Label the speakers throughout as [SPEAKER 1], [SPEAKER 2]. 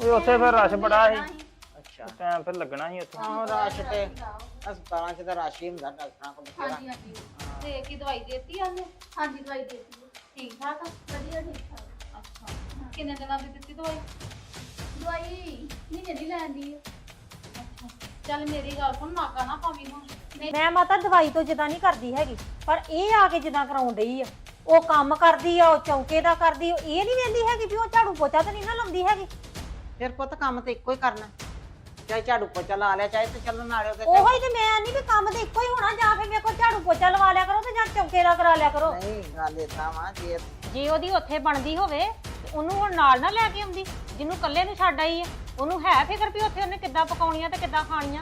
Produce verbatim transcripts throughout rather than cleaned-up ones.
[SPEAKER 1] ਓਏ ਉੱਥੇ ਫਿਰ ਰਸ਼ ਬੜਾ ਸੀ
[SPEAKER 2] ਅੱਛਾ
[SPEAKER 1] ਟਾਈਮ ਫਿਰ ਲੱਗਣਾ ਸੀ ਉੱਥੇ
[SPEAKER 2] ਆਹੋ ਰਸ਼ ਤੇ ਹਸਪਤਾਲਾਂ 'ਚ ਤਾਂ ਰਸ਼ ਹੀ ਹੁੰਦਾ ਡਾਕਟਰਾਂ ਕੋਲ ਬਥੇਰਾ।
[SPEAKER 3] ਹਾਂਜੀ ਹਾਂਜੀ ਤੇ ਕੀ ਦਵਾਈ ਦੇਤੀ ਉਹਨੇ? ਹਾਂਜੀ ਦਵਾਈ ਦੇਤੀ ਠੀਕ ਠਾਕ ਆ ਵਧੀਆ ਠੀਕ ਠਾਕ ਅੱਛਾ ਕਿੰਨੇ ਦਿਨਾਂ ਦੀ ਦਿੱਤੀ ਦਵਾਈ? ਦਵਾਈ ਮਹੀਨੇ ਦੀ ਲੈਂਦੀ ਆ ਅੱਛਾ ਚੱਲ ਮੇਰੀ ਗੱਲ ਸੁਣ ਨਾਕਾ ਨਾ ਪਾਵੀਂ ਹੁਣ
[SPEAKER 4] ਮੈਂ ਮਾਤਾ ਦਵਾਈ ਤੋਂ ਜਿੱਦਾਂ ਨਹੀਂ ਕਰਦੀ ਹੈਗੀ ਪਰ ਇਹ ਆ ਕੇ ਜਿੱਦਾਂ ਕਰਾਉਣ ਡਈ ਆ ਉਹ ਕੰਮ ਕਰਦੀ ਆ ਉਹ ਚੌਂਕੇ ਦਾ ਕਰਦੀ ਇਹ ਨਹੀਂ ਵੇਂਦੀ ਹੈਗੀ ਵੀ ਉਹ ਝਾੜੂ ਪੋਚਾ ਤਾਂ ਨਹੀਂ ਨਾ ਲਾਉਂਦੀ ਹੈਗੀ।
[SPEAKER 2] ਫਿਰ ਪੁੱਤ ਕੰਮ ਤੇ ਇੱਕੋ ਹੀ ਕਰਨਾ ਚਾਹੇ ਝਾੜੂ ਪੋਚਾ ਲਾ ਲਿਆ ਚਾਹੇ ਤੇ ਚੱਲਣ ਨਾਲੇ ਉਹਦੇ
[SPEAKER 4] ਉਹੋ ਹੀ ਤੇ ਮੈਂ ਨਹੀਂ ਵੀ ਕੰਮ ਤੇ ਇੱਕੋ ਹੀ ਹੋਣਾ ਜਾਂ ਫਿਰ ਮੇਰੇ ਕੋਲ ਝਾੜੂ ਪੋਚਾ ਲਵਾ ਲਿਆ ਕਰੋ ਤੇ ਜਾਂ ਚੌਂਕੇ ਦਾ ਕਰਾ ਲਿਆ ਕਰੋ।
[SPEAKER 2] ਨਹੀਂ ਗੱਲ ਏਦਾਂ ਵਾ ਜੇ
[SPEAKER 4] ਜੇ ਉਹਦੀ ਉੱਥੇ ਬਣਦੀ ਹੋਵੇ ਤੇ ਉਹਨੂੰ ਹੁਣ ਨਾਲ ਨਾ ਲੈ ਕੇ ਆਉਂਦੀ ਜਿਹਨੂੰ ਇਕੱਲੇ ਨੂੰ ਛੱਡ ਆਈ ਆ ਉਹਨੂੰ ਹੈ ਫਿਕਰ ਵੀ ਉੱਥੇ ਉਹਨੇ ਕਿੱਦਾਂ ਪਕਾਉਣੀਆਂ ਤੇ ਕਿੱਦਾਂ ਖਾਣੀਆਂ।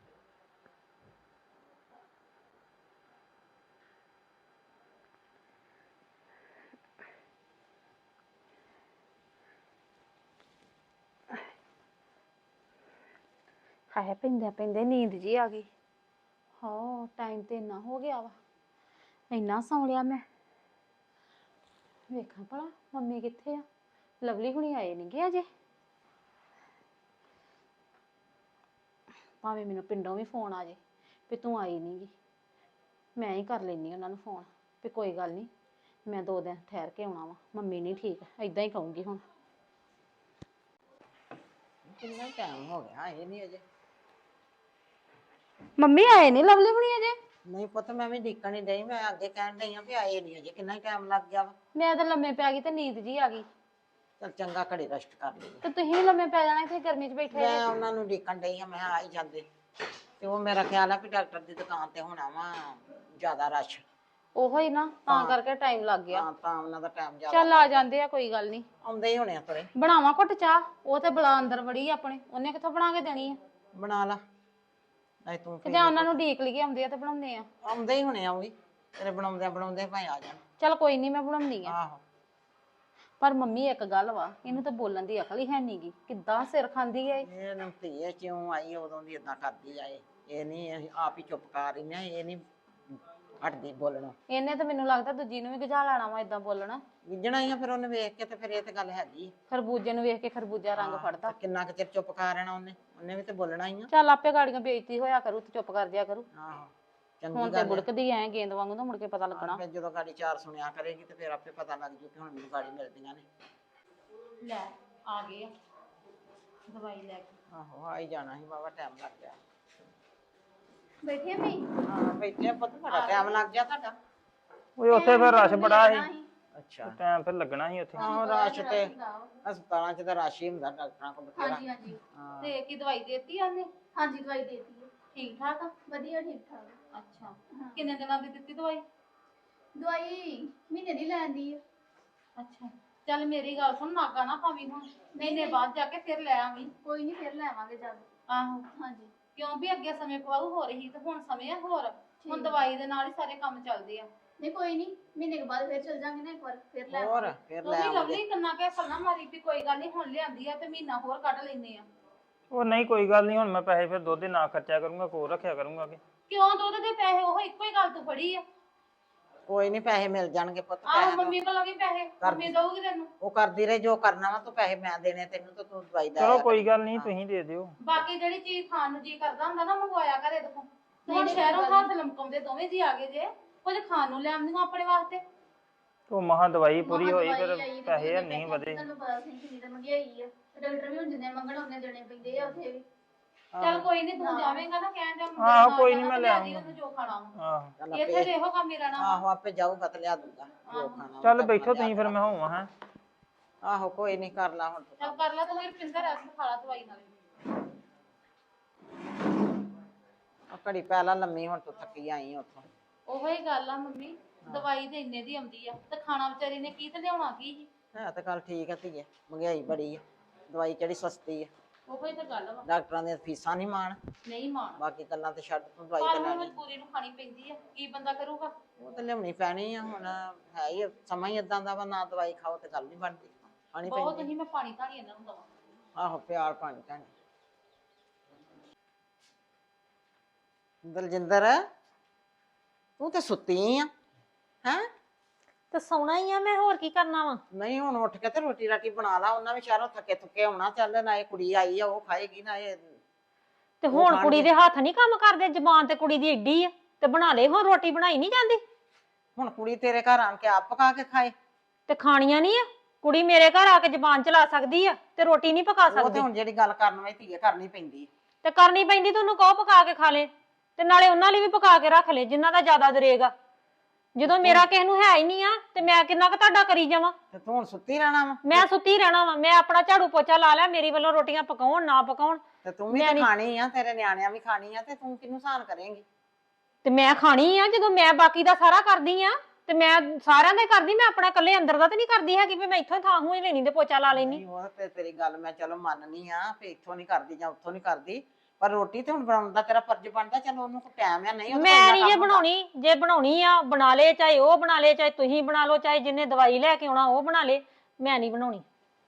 [SPEAKER 4] ਹਾਏ ਪੈਂਦੇ ਪੈਂਦੇ ਨੀਂਦ ਜੀ ਆ ਗਈ। ਹਾਂ ਟਾਈਮ ਤੇ ਇੰਨਾ ਹੋ ਗਿਆ ਵਾ ਇੰਨਾ ਸੌਂ ਲਿਆ ਮੈਂ। ਵੇਖਾਂ ਭਲਾ ਮੰਮੀ ਕਿੱਥੇ ਆ? ਲਵਲੀ ਹੁਣੀ ਆਏ ਨਹੀਂ ਗੇ ਅਜੇ। ਭਾਵੇਂ ਮੈਨੂੰ ਪਿੰਡੋਂ ਵੀ ਫੋਨ ਆ ਜੇ ਵੀ ਤੂੰ ਆਈ ਨਹੀਂ ਗੀ ਮੈਂ ਹੀ ਕਰ ਲੈਣੀ ਉਹਨਾਂ ਨੂੰ ਫੋਨ ਵੀ ਕੋਈ ਗੱਲ ਨਹੀਂ ਮੈਂ ਦੋ ਦਿਨ ਠਹਿਰ ਕੇ ਆਉਣਾ ਵਾ ਮੰਮੀ ਨਹੀਂ ਠੀਕ ਏਦਾਂ ਹੀ ਕਹੂੰਗੀ ਹੁਣ।
[SPEAKER 2] ਕਿੰਨਾ ਟਾਈਮ ਹੋ ਗਿਆ ਇਹ ਨਹੀਂ ਅਜੇ।
[SPEAKER 4] ਮੰਮੀ ਆਏ ਨਹੀਂ ਲਵਲੀ ਹੁਣੀ ਅਜੇ?
[SPEAKER 2] ਨਹੀਂ ਪੁੱਤ ਮੈਂ ਵੀ ਦੇਖਣ ਹੀ ਡਈ ਮੈਂ ਅੱਗੇ ਕਹਿਣ ਡਈ ਆ ਵੀ ਆਏ ਨਹੀਂ ਅਜੇ ਕਿੰਨਾ ਟਾਈਮ ਲੱਗ ਗਿਆ ਵਾ।
[SPEAKER 4] ਮੈਂ ਤਾਂ ਲੰਮੇ ਪੈ ਗਈ ਤੇ ਨੀਂਦ ਜੀ ਆ ਗਈ
[SPEAKER 2] ਚਲ ਚੰਗਾ ਘੜੀ ਰੈਸਟ ਕਰ ਲਈ
[SPEAKER 4] ਤੇ ਤੁਸੀਂ ਵੀ ਲੰਮੇ ਪੈ ਜਾਣਾ ਇੱਥੇ ਗਰਮੀ 'ਚ ਬੈਠੇ
[SPEAKER 2] ਮੈਂ ਉਹਨਾਂ ਨੂੰ ਦੇਖਣ ਡਈ ਆ ਮੈਂ ਆ ਹੀ ਜਾਂਦੇ ਤੇ ਉਹ ਮੇਰਾ ਖਿਆਲ ਆ ਵੀ ਡਾਕਟਰ ਦੀ ਦੁਕਾਨ ਤੇ ਹੋਣਾ ਵਾ ਜ਼ਿਆਦਾ ਰਸ਼।
[SPEAKER 4] ਉਹੋ ਹੀ ਨਾ ਤਾਂ ਕਰਕੇ ਟਾਈਮ ਲੱਗ ਗਿਆ।
[SPEAKER 2] ਹਾਂ ਤਾਂ ਉਹਨਾਂ ਦਾ ਟਾਈਮ ਜ਼ਿਆਦਾ
[SPEAKER 4] ਚੱਲ ਆ ਜਾਂਦੇ ਆ ਕੋਈ ਗੱਲ ਨਹੀਂ
[SPEAKER 2] ਆਉਂਦੇ ਹੀ ਹੋਣੇ ਆ ਤੁਰੇ।
[SPEAKER 4] ਬਣਾਵਾਂ ਘੁੱਟ ਚਾਹ? ਉਹ ਤੇ ਬਲਾ ਅੰਦਰ ਵੜੀ ਆ ਆਪਣੇ ਉਹਨੇ ਕਿੱਥੋਂ ਬਣਾ ਕੇ ਦੇਣੀ ਆ?
[SPEAKER 2] ਬਣਾ ਲਾ ਨਹੀਂ ਤੂੰ
[SPEAKER 4] ਤੇ ਜਾਂ ਉਹਨਾਂ ਨੂੰ ਢੀਕ ਲਈਏ ਆਉਂਦੇ ਆ ਤੇ ਬਣਾਉਂਦੇ ਆ।
[SPEAKER 2] ਆਉਂਦੇ ਹੀ ਹੋਣੇ ਆ ਉਹ ਵੀ ਤੇਰੇ ਬਣਾਉਂਦੇ ਬਣਾਉਂਦੇ ਭਾਵੇਂ ਆ ਜਾਣ।
[SPEAKER 4] ਚੱਲ ਕੋਈ ਨਹੀਂ ਮੈਂ ਬਣਾਉਂਦੀ ਆ।
[SPEAKER 2] ਆਹੋ
[SPEAKER 4] ਪਰ ਮੰਮੀ ਇੱਕ ਗੱਲ ਵਾ ਇਹਨੂੰ ਤਾਂ ਬੋਲਣ ਦੀ ਅਕਲ ਹੀ ਹੈ ਨਹੀਂਗੀ ਕਿੱਦਾਂ ਸਿਰ ਖਾਂਦੀ ਐ।
[SPEAKER 2] ਇਹ ਨੂੰ ਧੀਏ ਕਿਉਂ ਆਈ ਉਦੋਂ ਦੀ ਇਦਾਂ ਕਰਦੀ ਆ ਇਹ ਇਹ ਨਹੀਂ ਆਪ ਹੀ ਚੁੱਪ ਕਰ ਰਹੀ ਨੇ ਇਹ ਨਹੀਂ ਹਟਦੀ ਬੋਲਣਾ।
[SPEAKER 4] ਇਹਨੇ ਤਾਂ ਮੈਨੂੰ ਲੱਗਦਾ ਦੂਜੀ ਨੂੰ ਵੀ ਗਜਾ ਲੈਣਾ ਵਾ ਇਦਾਂ ਬੋਲਣਾ।
[SPEAKER 2] ਗਿੱਜਣਾ ਹੀ ਆ ਫਿਰ ਉਹਨੇ ਵੇਖ ਕੇ ਤੇ ਫਿਰ ਇਹ ਤੇ ਗੱਲ ਹੈਗੀ।
[SPEAKER 4] ਖਰਬੂਜੇ ਨੂੰ ਵੇਖ ਕੇ ਖਰਬੂਜਾ ਰੰਗ ਫੜਦਾ।
[SPEAKER 2] ਤੇ ਕਿੰਨਾ ਕੁ ਚਿਰ ਚੁੱਪ ਕਰ ਰਹਿਣਾ ਉਹਨੇ ਉਹਨੇ ਵੀ ਤੇ ਬੋਲਣਾ ਹੀ ਆ।
[SPEAKER 4] ਚੱਲ ਆਪੇ ਗਾੜੀਆਂ ਬੇਇੱਜ਼ਤੀ ਹੋਇਆ ਕਰੂ ਤੇ ਚੁੱਪ ਕਰ ਜਿਆ ਕਰੂ।
[SPEAKER 2] ਆਹੋ
[SPEAKER 4] ਹੁਣ
[SPEAKER 2] ਚੰਗੀ
[SPEAKER 4] ਤੇ
[SPEAKER 2] ਗੱਲ
[SPEAKER 4] ਬੁੜਕਦੀ ਐ ਗੇਂਦ ਵਾਂਗੂ ਤਾਂ ਮੁੜ ਕੇ ਪਤਾ ਲੱਗਣਾ।
[SPEAKER 2] ਫਿਰ ਜਦੋਂ ਗਾੜੀ ਚਾਰ ਸੁਣਿਆ ਕਰੇਗੀ ਤੇ ਫਿਰ ਆਪੇ ਪਤਾ ਲੱਗ ਜੂ ਕਿ ਹੁਣ ਮੈਨੂੰ ਗਾੜੀ ਮਿਲਦੀਆਂ ਨੇ।
[SPEAKER 4] ਲੈ ਆ ਗਏ ਆ ਦਵਾਈ ਲੈ ਕੇ।
[SPEAKER 2] ਆਹੋ ਆ ਹੀ ਜਾਣਾ ਸੀ ਬਾਬਾ ਟਾਈਮ ਲੱਗ ਗਿਆ।
[SPEAKER 3] ਬੈਠੇ ਮੈਂ
[SPEAKER 2] ਹਾਂ ਬੈਠੇ ਪੁੱਤ ਬੜਾ ਟਾਈਮ ਲੱਗ ਗਿਆ ਤੁਹਾਡਾ।
[SPEAKER 1] ਓਏ ਉੱਥੇ ਫਿਰ ਰਸ਼ ਬੜਾ ਸੀ
[SPEAKER 2] ਅੱਛਾ
[SPEAKER 1] ਟਾਈਮ ਫਿਰ ਲੱਗਣਾ ਸੀ ਉੱਥੇ
[SPEAKER 2] ਆਹੋ ਰਸ਼ ਤੇ ਹਸਪਤਾਲਾਂ 'ਚ ਤਾਂ ਰਸ਼ ਹੀ ਹੁੰਦਾ ਡਾਕਟਰਾਂ ਕੋਲ ਬਥੇਰਾ।
[SPEAKER 3] ਹਾਂਜੀ ਹਾਂਜੀ
[SPEAKER 2] ਹਾਂ
[SPEAKER 4] ਤੇ ਕੀ ਦਵਾਈ ਦੇਤੀ ਉਹਨੇ?
[SPEAKER 3] ਹਾਂਜੀ ਦਵਾਈ ਦੇਤੀ
[SPEAKER 4] ਠੀਕ ਠਾਕ ਆ
[SPEAKER 3] ਵਧੀਆ ਠੀਕ ਠਾਕ
[SPEAKER 4] ਅੱਛਾ ਕਿੰਨੇ ਦਿਨਾਂ ਦੀ ਦਿੱਤੀ ਦਵਾਈ?
[SPEAKER 3] ਦਵਾਈ ਮਹੀਨੇ ਦੀ ਲੈਂਦੀ ਆ
[SPEAKER 4] ਅੱਛਾ ਚੱਲ ਮੇਰੀ ਗੱਲ ਸੁਣ ਨਾਗਾ ਨਾ ਪਾਵੀਂ ਹੁਣ ਮਹੀਨੇ ਬਾਅਦ ਜਾ ਕੇ ਫਿਰ ਲੈ ਆਵੀਂ।
[SPEAKER 3] ਕੋਈ ਨਹੀਂ ਫਿਰ ਲੈਵਾਂਗੇ ਜਦ।
[SPEAKER 4] ਆਹੋ
[SPEAKER 3] ਹਾਂਜੀ
[SPEAKER 4] ਕਿਉਂ ਵੀ ਅੱਗੇ ਸਮੇਂ ਪਵਾਉ ਹੋ ਰਹੀ ਤੇ ਹੁਣ ਸਮੇਂ ਆ ਹੋਰ ਹੁਣ ਦਵਾਈ ਦੇ ਨਾਲ ਹੀ ਸਾਰੇ ਕੰਮ ਚੱਲਦੇ ਆ।
[SPEAKER 3] ਨਹੀਂ ਕੋਈ ਨਹੀਂ ਮਹੀਨੇ ਕੇ ਬਾਅਦ ਫਿਰ ਚਲ ਜਾਾਂਗੇ ਨਾ ਇੱਕ ਵਾਰ ਫਿਰ ਲੈ
[SPEAKER 2] ਹੋਰ ਫਿਰ
[SPEAKER 4] ਤੂੰ
[SPEAKER 2] ਲੈ
[SPEAKER 4] ਵੀ
[SPEAKER 2] ਆਵਾਂਗੇ।
[SPEAKER 4] ਲਵਲੀ ਕੰਨਾ ਕੇ ਫਲਣਾ ਮਾਰੀ ਵੀ ਕੋਈ ਗੱਲ ਨਹੀਂ ਹੁਣ ਲਿਆਂਦੀ ਆ ਤੇ ਮਹੀਨਾ ਹੋਰ ਕੱਢ ਲੈਨੇ ਆ।
[SPEAKER 1] ਉਹ ਨਹੀਂ ਕੋਈ ਗੱਲ ਨਹੀਂ ਹੁਣ ਮੈਂ ਪੈਸੇ ਫਿਰ ਦੁੱਧ ਦੇ ਨਾ ਖਰਚਿਆ ਕਰੂੰਗਾ ਕੋਲ ਰੱਖਿਆ ਕਰੂੰਗਾ ਕਿ
[SPEAKER 4] ਕਿਉਂ ਦੁੱਧ ਦੇ ਪੈਸੇ ਉਹ ਇੱਕੋ ਹੀ ਗੱਲ ਤੂੰ ਫੜੀ ਆ।
[SPEAKER 2] ਕੋਈ ਨਹੀਂ ਪੈਸੇ ਮਿਲ ਜਾਣਗੇ ਪੁੱਤ
[SPEAKER 4] ਆਹ
[SPEAKER 2] ਪੈਸੇ
[SPEAKER 4] ਮੰਮੀ ਕੋਲੋਂ ਵੀ ਪੈਸੇ ਮੰਮੀ ਦਊਗੀ ਤੈਨੂੰ।
[SPEAKER 2] ਉਹ ਕਰਦੀ ਰਹੇ ਜੋ ਕਰਨਾ ਵਾ ਤੂੰ ਪੈਸੇ ਮੈਂ ਦੇਣੇ ਤੈਨੂੰ ਤਾਂ ਤੂੰ ਦਵਾਈ ਦਾ
[SPEAKER 1] ਚਲੋ ਕੋਈ ਗੱਲ ਨਹੀਂ ਤੁਸੀਂ ਦੇ ਦਿਓ।
[SPEAKER 4] ਬਾਕੀ ਜਿਹੜੀ ਚੀਜ਼ ਖਾਣ ਨੂੰ ਜੀ ਕਰਦਾ ਹੁੰਦਾ ਨਾ ਮੰਗਵਾਇਆ ਘਰੇ ਦੇਖੋ ਹੁਣ ਸ਼ਹਿਰੋਂ ਹੱਥ ਲਮਕਾਉਂਦੇ ਦੋਵੇਂ ਜੀ ਆ ਗਏ ਜੇ ਕੁਝ ਖਾਣ ਨੂੰ ਲਿਆਉਂਦੀਆਂ ਆਪਣੇ ਵਾਸਤੇ।
[SPEAKER 1] ਉਹ ਮਹਾ ਦਵਾਈ ਪੂਰੀ ਹੋਈ ਫਿਰ ਪੈਸੇ ਨਹੀਂ ਵਧੇ।
[SPEAKER 3] ਤੁਹਾਨੂੰ ਪਤਾ ਸੀ ਕਿੰਨੀ ਤਾਂ ਮਹਿੰਗਾਈ ਆ ਡਾਕਟਰ ਵੀ ਹੁਣ ਜਿੰਨੇ ਮੰਗਣ ਉਹਨੇ ਦੇਣੇ ਪੈਂਦੇ ਆ ਉੱਥੇ ਵੀ।
[SPEAKER 4] ਚੱਲ ਕੋਈ ਨਹੀਂ ਤੂੰ ਜਾਵੇਂਗਾ ਨਾ ਕਹਿਣ ਜਾ
[SPEAKER 1] ਆਹੋ, ਕੋਈ ਨੀ, ਮੈਂ ਲੈ ਆਊਂਗਾ।
[SPEAKER 4] ਉਹਨੂੰ ਜੋ ਖਾਣਾ ਵਾ।
[SPEAKER 1] ਆਹੋ
[SPEAKER 2] ਚੱਲ
[SPEAKER 4] ਇੱਥੇ
[SPEAKER 2] ਆਪੇ
[SPEAKER 4] ਤੇ ਇਹੋ ਕੰਮ ਹੀ ਰਹਿਣਾ ਵਾ।
[SPEAKER 2] ਆਹੋ ਆਪੇ ਜਾਊਗਾ ਤੇ ਲਿਆ ਦੂਗਾ ਜੋ ਖਾਣਾ ਵਾ
[SPEAKER 1] ਚੱਲ
[SPEAKER 2] ਤਾਂ
[SPEAKER 1] ਬੈਠੋ
[SPEAKER 2] ਲਿਆ
[SPEAKER 1] ਤੁਸੀਂ ਫਿਰ ਮੈਂ ਹੋਵਾਂ ਹੈ।
[SPEAKER 2] ਆਹੋ ਕੋਈ ਨਹੀਂ ਕਰ ਲਾ ਹੁਣ ਤੂੰ
[SPEAKER 4] ਚੱਲ ਕਰ ਲੈ ਤੂੰ ਫਿਰ ਪਿੰਦਰ ਰੈਸਟ ਖਾ ਲਾ ਦਵਾਈ ਨਾਲ।
[SPEAKER 2] ਆ ਘੜੀ ਪਹਿਲਾਂ ਲੰਮੀ ਹੁਣ ਤੂੰ ਥੱਕੀ ਆਈ ਉੱਥੋਂ।
[SPEAKER 4] ਉਹੋ ਹੀ ਗੱਲ ਆ ਮੰਮੀ ਦਵਾਈ ਤੇ ਇੰਨੇ ਦੀ ਆਉਂਦੀ ਆ ਤੇ ਖਾਣਾ ਵਿਚਾਰੀ ਨੇ ਕੀ ਤੇ ਲਿਆਉਣਾ ਕੀ ਸੀ।
[SPEAKER 2] ਹੈ ਤਾਂ ਗੱਲ ਠੀਕ ਆ ਧੀਏ ਮਹਿੰਗਾਈ ਬੜੀ ਆ ਦਵਾਈ ਕਿਹੜੀ ਸਸਤੀ ਆ।
[SPEAKER 4] ਉਹੋ ਹੀ ਤਾਂ ਗੱਲ ਵਾ
[SPEAKER 2] ਡਾਕਟਰਾਂ ਦੀਆਂ ਫੀਸਾਂ ਨਹੀਂ ਮਾਣ
[SPEAKER 4] ਨਹੀਂ ਮਾਣ
[SPEAKER 2] ਬਾਕੀ ਗੱਲਾਂ ਤੇ ਛੱਡ ਤੂੰ ਦਵਾਈ
[SPEAKER 4] ਪਰ
[SPEAKER 2] ਤੇ
[SPEAKER 4] ਹੁਣ
[SPEAKER 2] ਲੈਣੀ
[SPEAKER 4] ਮਜਬੂਰੀ ਨੂੰ ਖਾਣੀ ਪੈਂਦੀ ਆ ਕੀ ਬੰਦਾ ਕਰੂਗਾ।
[SPEAKER 2] ਉਹ ਤੇ ਲਿਆਉਣੀ ਪੈਣੀ ਆ ਹੁਣ ਹੈ ਹੀ ਆ, ਸਮਾਂ ਹੀ ਇਦਾਂ ਦਾ ਵਾ ਨਾ ਦਵਾਈ ਖਾਓ ਤੇ ਗੱਲ ਨਹੀਂ ਬਣਦੀ ਖਾਣੀ
[SPEAKER 4] ਬਹੁਤ
[SPEAKER 2] ਪੈਂਦੀ
[SPEAKER 4] ਨਹੀਂ ਮੈਂ ਪਾਣੀ ਧਾਣੀ ਇਹਨਾਂ ਨੂੰ ਦਵਾਂ।
[SPEAKER 2] ਆਹੋ ਪਿਆਰ ਪਾਣੀ ਢਾਣੀ। ਦਲਜਿੰਦਰ ਤੂੰ ਤੇ ਸੁੱਤੀ ਆ ਹੈ
[SPEAKER 4] ਤੇ ਸੌਣਾ ਹੀ ਆ ਮੈਂ, ਹੋਰ ਕੀ ਕਰਨਾ ਵਾ।
[SPEAKER 2] ਨਹੀਂ ਹੁਣ ਉੱਠ ਕੇ ਤੇ ਰੋਟੀ ਰਾਟੀ ਬਣਾ ਲਾ, ਉਹਨਾਂ ਵੀ ਸ਼ਹਿਰੋਂ ਥੱਕੇ ਥੁੱਕੇ ਆਉਣਾ, ਚੱਲ ਨਾ ਇਹ ਕੁੜੀ ਆਈ ਆ ਉਹ ਖਾਏਗੀ ਨਾ ਇਹ।
[SPEAKER 4] ਤੇ
[SPEAKER 2] ਉਹ
[SPEAKER 4] ਹੁਣ
[SPEAKER 2] ਖਾਣਗੇ।
[SPEAKER 4] ਕੁੜੀ ਦੇ ਹੱਥ ਨਹੀਂ ਕੰਮ ਕਰਦੇ, ਜ਼ਬਾਨ ਤੇ ਕੁੜੀ ਦੀ ਏਡੀ ਆ, ਤੇ ਬਣਾ ਲੈ ਹੁਣ ਰੋਟੀ, ਬਣਾਈ ਨਹੀਂ ਜਾਂਦੀ।
[SPEAKER 2] ਹੁਣ ਕੁੜੀ ਤੇਰੇ ਘਰ ਆਣ ਕੇ ਆਪ ਪਕਾ ਕੇ ਖਾਏ।
[SPEAKER 4] ਤੇ ਖਾਣੀਆਂ ਨਹੀਂ ਆ, ਕੁੜੀ ਮੇਰੇ ਘਰ ਆ ਕੇ ਜ਼ਬਾਨ ਚਲਾ ਸਕਦੀ ਆ ਤੇ ਰੋਟੀ ਨਹੀਂ ਪਕਾ
[SPEAKER 2] ਉਹ ਤੇ
[SPEAKER 4] ਸਕਦੀ।
[SPEAKER 2] ਹੁਣ ਜਿਹੜੀ ਗੱਲ ਕਰਨ ਵਾਲੀ ਧੀਏ ਕਰਨੀ ਪੈਂਦੀ।
[SPEAKER 4] ਤੇ ਕਰਨੀ ਪੈਂਦੀ, ਤੁਹਾਨੂੰ ਕਹੋ ਪਕਾ ਕੇ ਖਾ ਲੈ, ਤੇ ਨਾਲੇ ਉਹਨਾਂ ਲਈ ਵੀ ਪਕਾ ਕੇ ਰੱਖ ਲੈ ਜਿਨ੍ਹਾਂ ਦਾ ਜ਼ਿਆਦਾ ਦਰੇਗਾ। ਜਦੋਂ ਮੇਰਾ ਕਿਸੇ ਨੂੰ ਹੈ ਹੀ ਨਹੀਂ ਆ ਤੇ ਮੈਂ ਕਿੰਨਾ ਕੁ ਤੁਹਾਡਾ ਕਰੀ ਜਾਵਾਂ।
[SPEAKER 2] ਤੇ ਤੂੰ ਹੁਣ ਸੁੱਤੀ ਰਹਿਣਾ ਵਾ।
[SPEAKER 4] ਮੈਂ ਸੁੱਤੀ ਰਹਿਣਾ ਵਾ, ਮੈਂ ਆਪਣਾ ਝਾੜੂ ਪੋਚਾ ਲਾ ਲਿਆ, ਮੇਰੀ ਵੱਲੋਂ ਰੋਟੀਆਂ ਪਕਾਉਣ ਨਾ ਪਕਾਉਣ।
[SPEAKER 2] ਤੇ ਤੂੰ ਵੀ
[SPEAKER 4] ਮੈਂ
[SPEAKER 2] ਤੇ
[SPEAKER 4] ਨੀ-
[SPEAKER 2] ਖਾਣੀ ਆ, ਤੇਰੇ ਨਿਆਣਿਆਂ ਵੀ ਖਾਣੀ ਆ, ਤੇ ਤੂੰ ਕਿਹਨੂੰ ਸਹਾਨ ਕਰੇਂਗੀ?
[SPEAKER 4] ਤੇ ਮੈਂ ਖਾਣੀ ਆ, ਜਦੋਂ ਮੈਂ ਬਾਕੀ ਦਾ ਸਾਰਾ ਕਰਦੀ ਆ ਤੇ ਮੈਂ ਸਾਰਿਆਂ ਦਾ ਹੀ ਕਰਦੀ, ਮੈਂ ਆਪਣਾ ਇਕੱਲੇ ਅੰਦਰ ਦਾ ਤੇ ਨਹੀਂ ਕਰਦੀ ਹੈਗੀ ਵੀ ਮੈਂ ਇੱਥੋਂ ਥਾਂ ਹੂੰ ਹੀ ਲੈਣੀ ਤੇ ਪੋਚਾ ਲਾ ਲੈਣੀ।
[SPEAKER 2] ਨਹੀਂ ਉਹ ਤੇ ਤੇਰੀ ਗੱਲ ਮੈਂ ਚਲੋ ਮੰਨਨੀ ਆ ਵੀ ਇੱਥੋਂ ਨਹੀਂ ਕਰਦੀ ਜਾਂ ਉੱਥੋਂ ਨਹੀਂ ਕਰਦੀ, ਪਰ ਰੋਟੀ ਤੇ ਹੁਣ ਬਣਾਉਣ ਦਾ ਤੇਰਾ ਫਰਜ਼ ਬਣਦਾ। ਚਲੋ ਉਹਨੂੰ ਕੋਈ ਟਾਈਮ ਆ, ਨਹੀਂ ਉਹਦਾ
[SPEAKER 4] ਮੈਂ
[SPEAKER 2] ਇੰਨਾ
[SPEAKER 4] ਨਹੀਂ ਜੇ
[SPEAKER 2] ਕੰਮ ਹੁੰਦਾ।
[SPEAKER 4] ਬਣਾਉਣੀ, ਜੇ ਬਣਾਉਣੀ ਆ ਬਣਾ ਲੇ, ਚਾਹੇ ਉਹ ਬਣਾ ਲੇ, ਚਾਹੇ ਤੁਸੀਂ ਬਣਾ ਲਓ, ਚਾਹੇ ਜਿੰਨੇ ਦਵਾਈ ਲੈ ਕੇ ਆਉਣਾ ਉਹ ਬਣਾ ਲੇ, ਮੈਂ ਨਹੀਂ ਬਣਾਉਣੀ।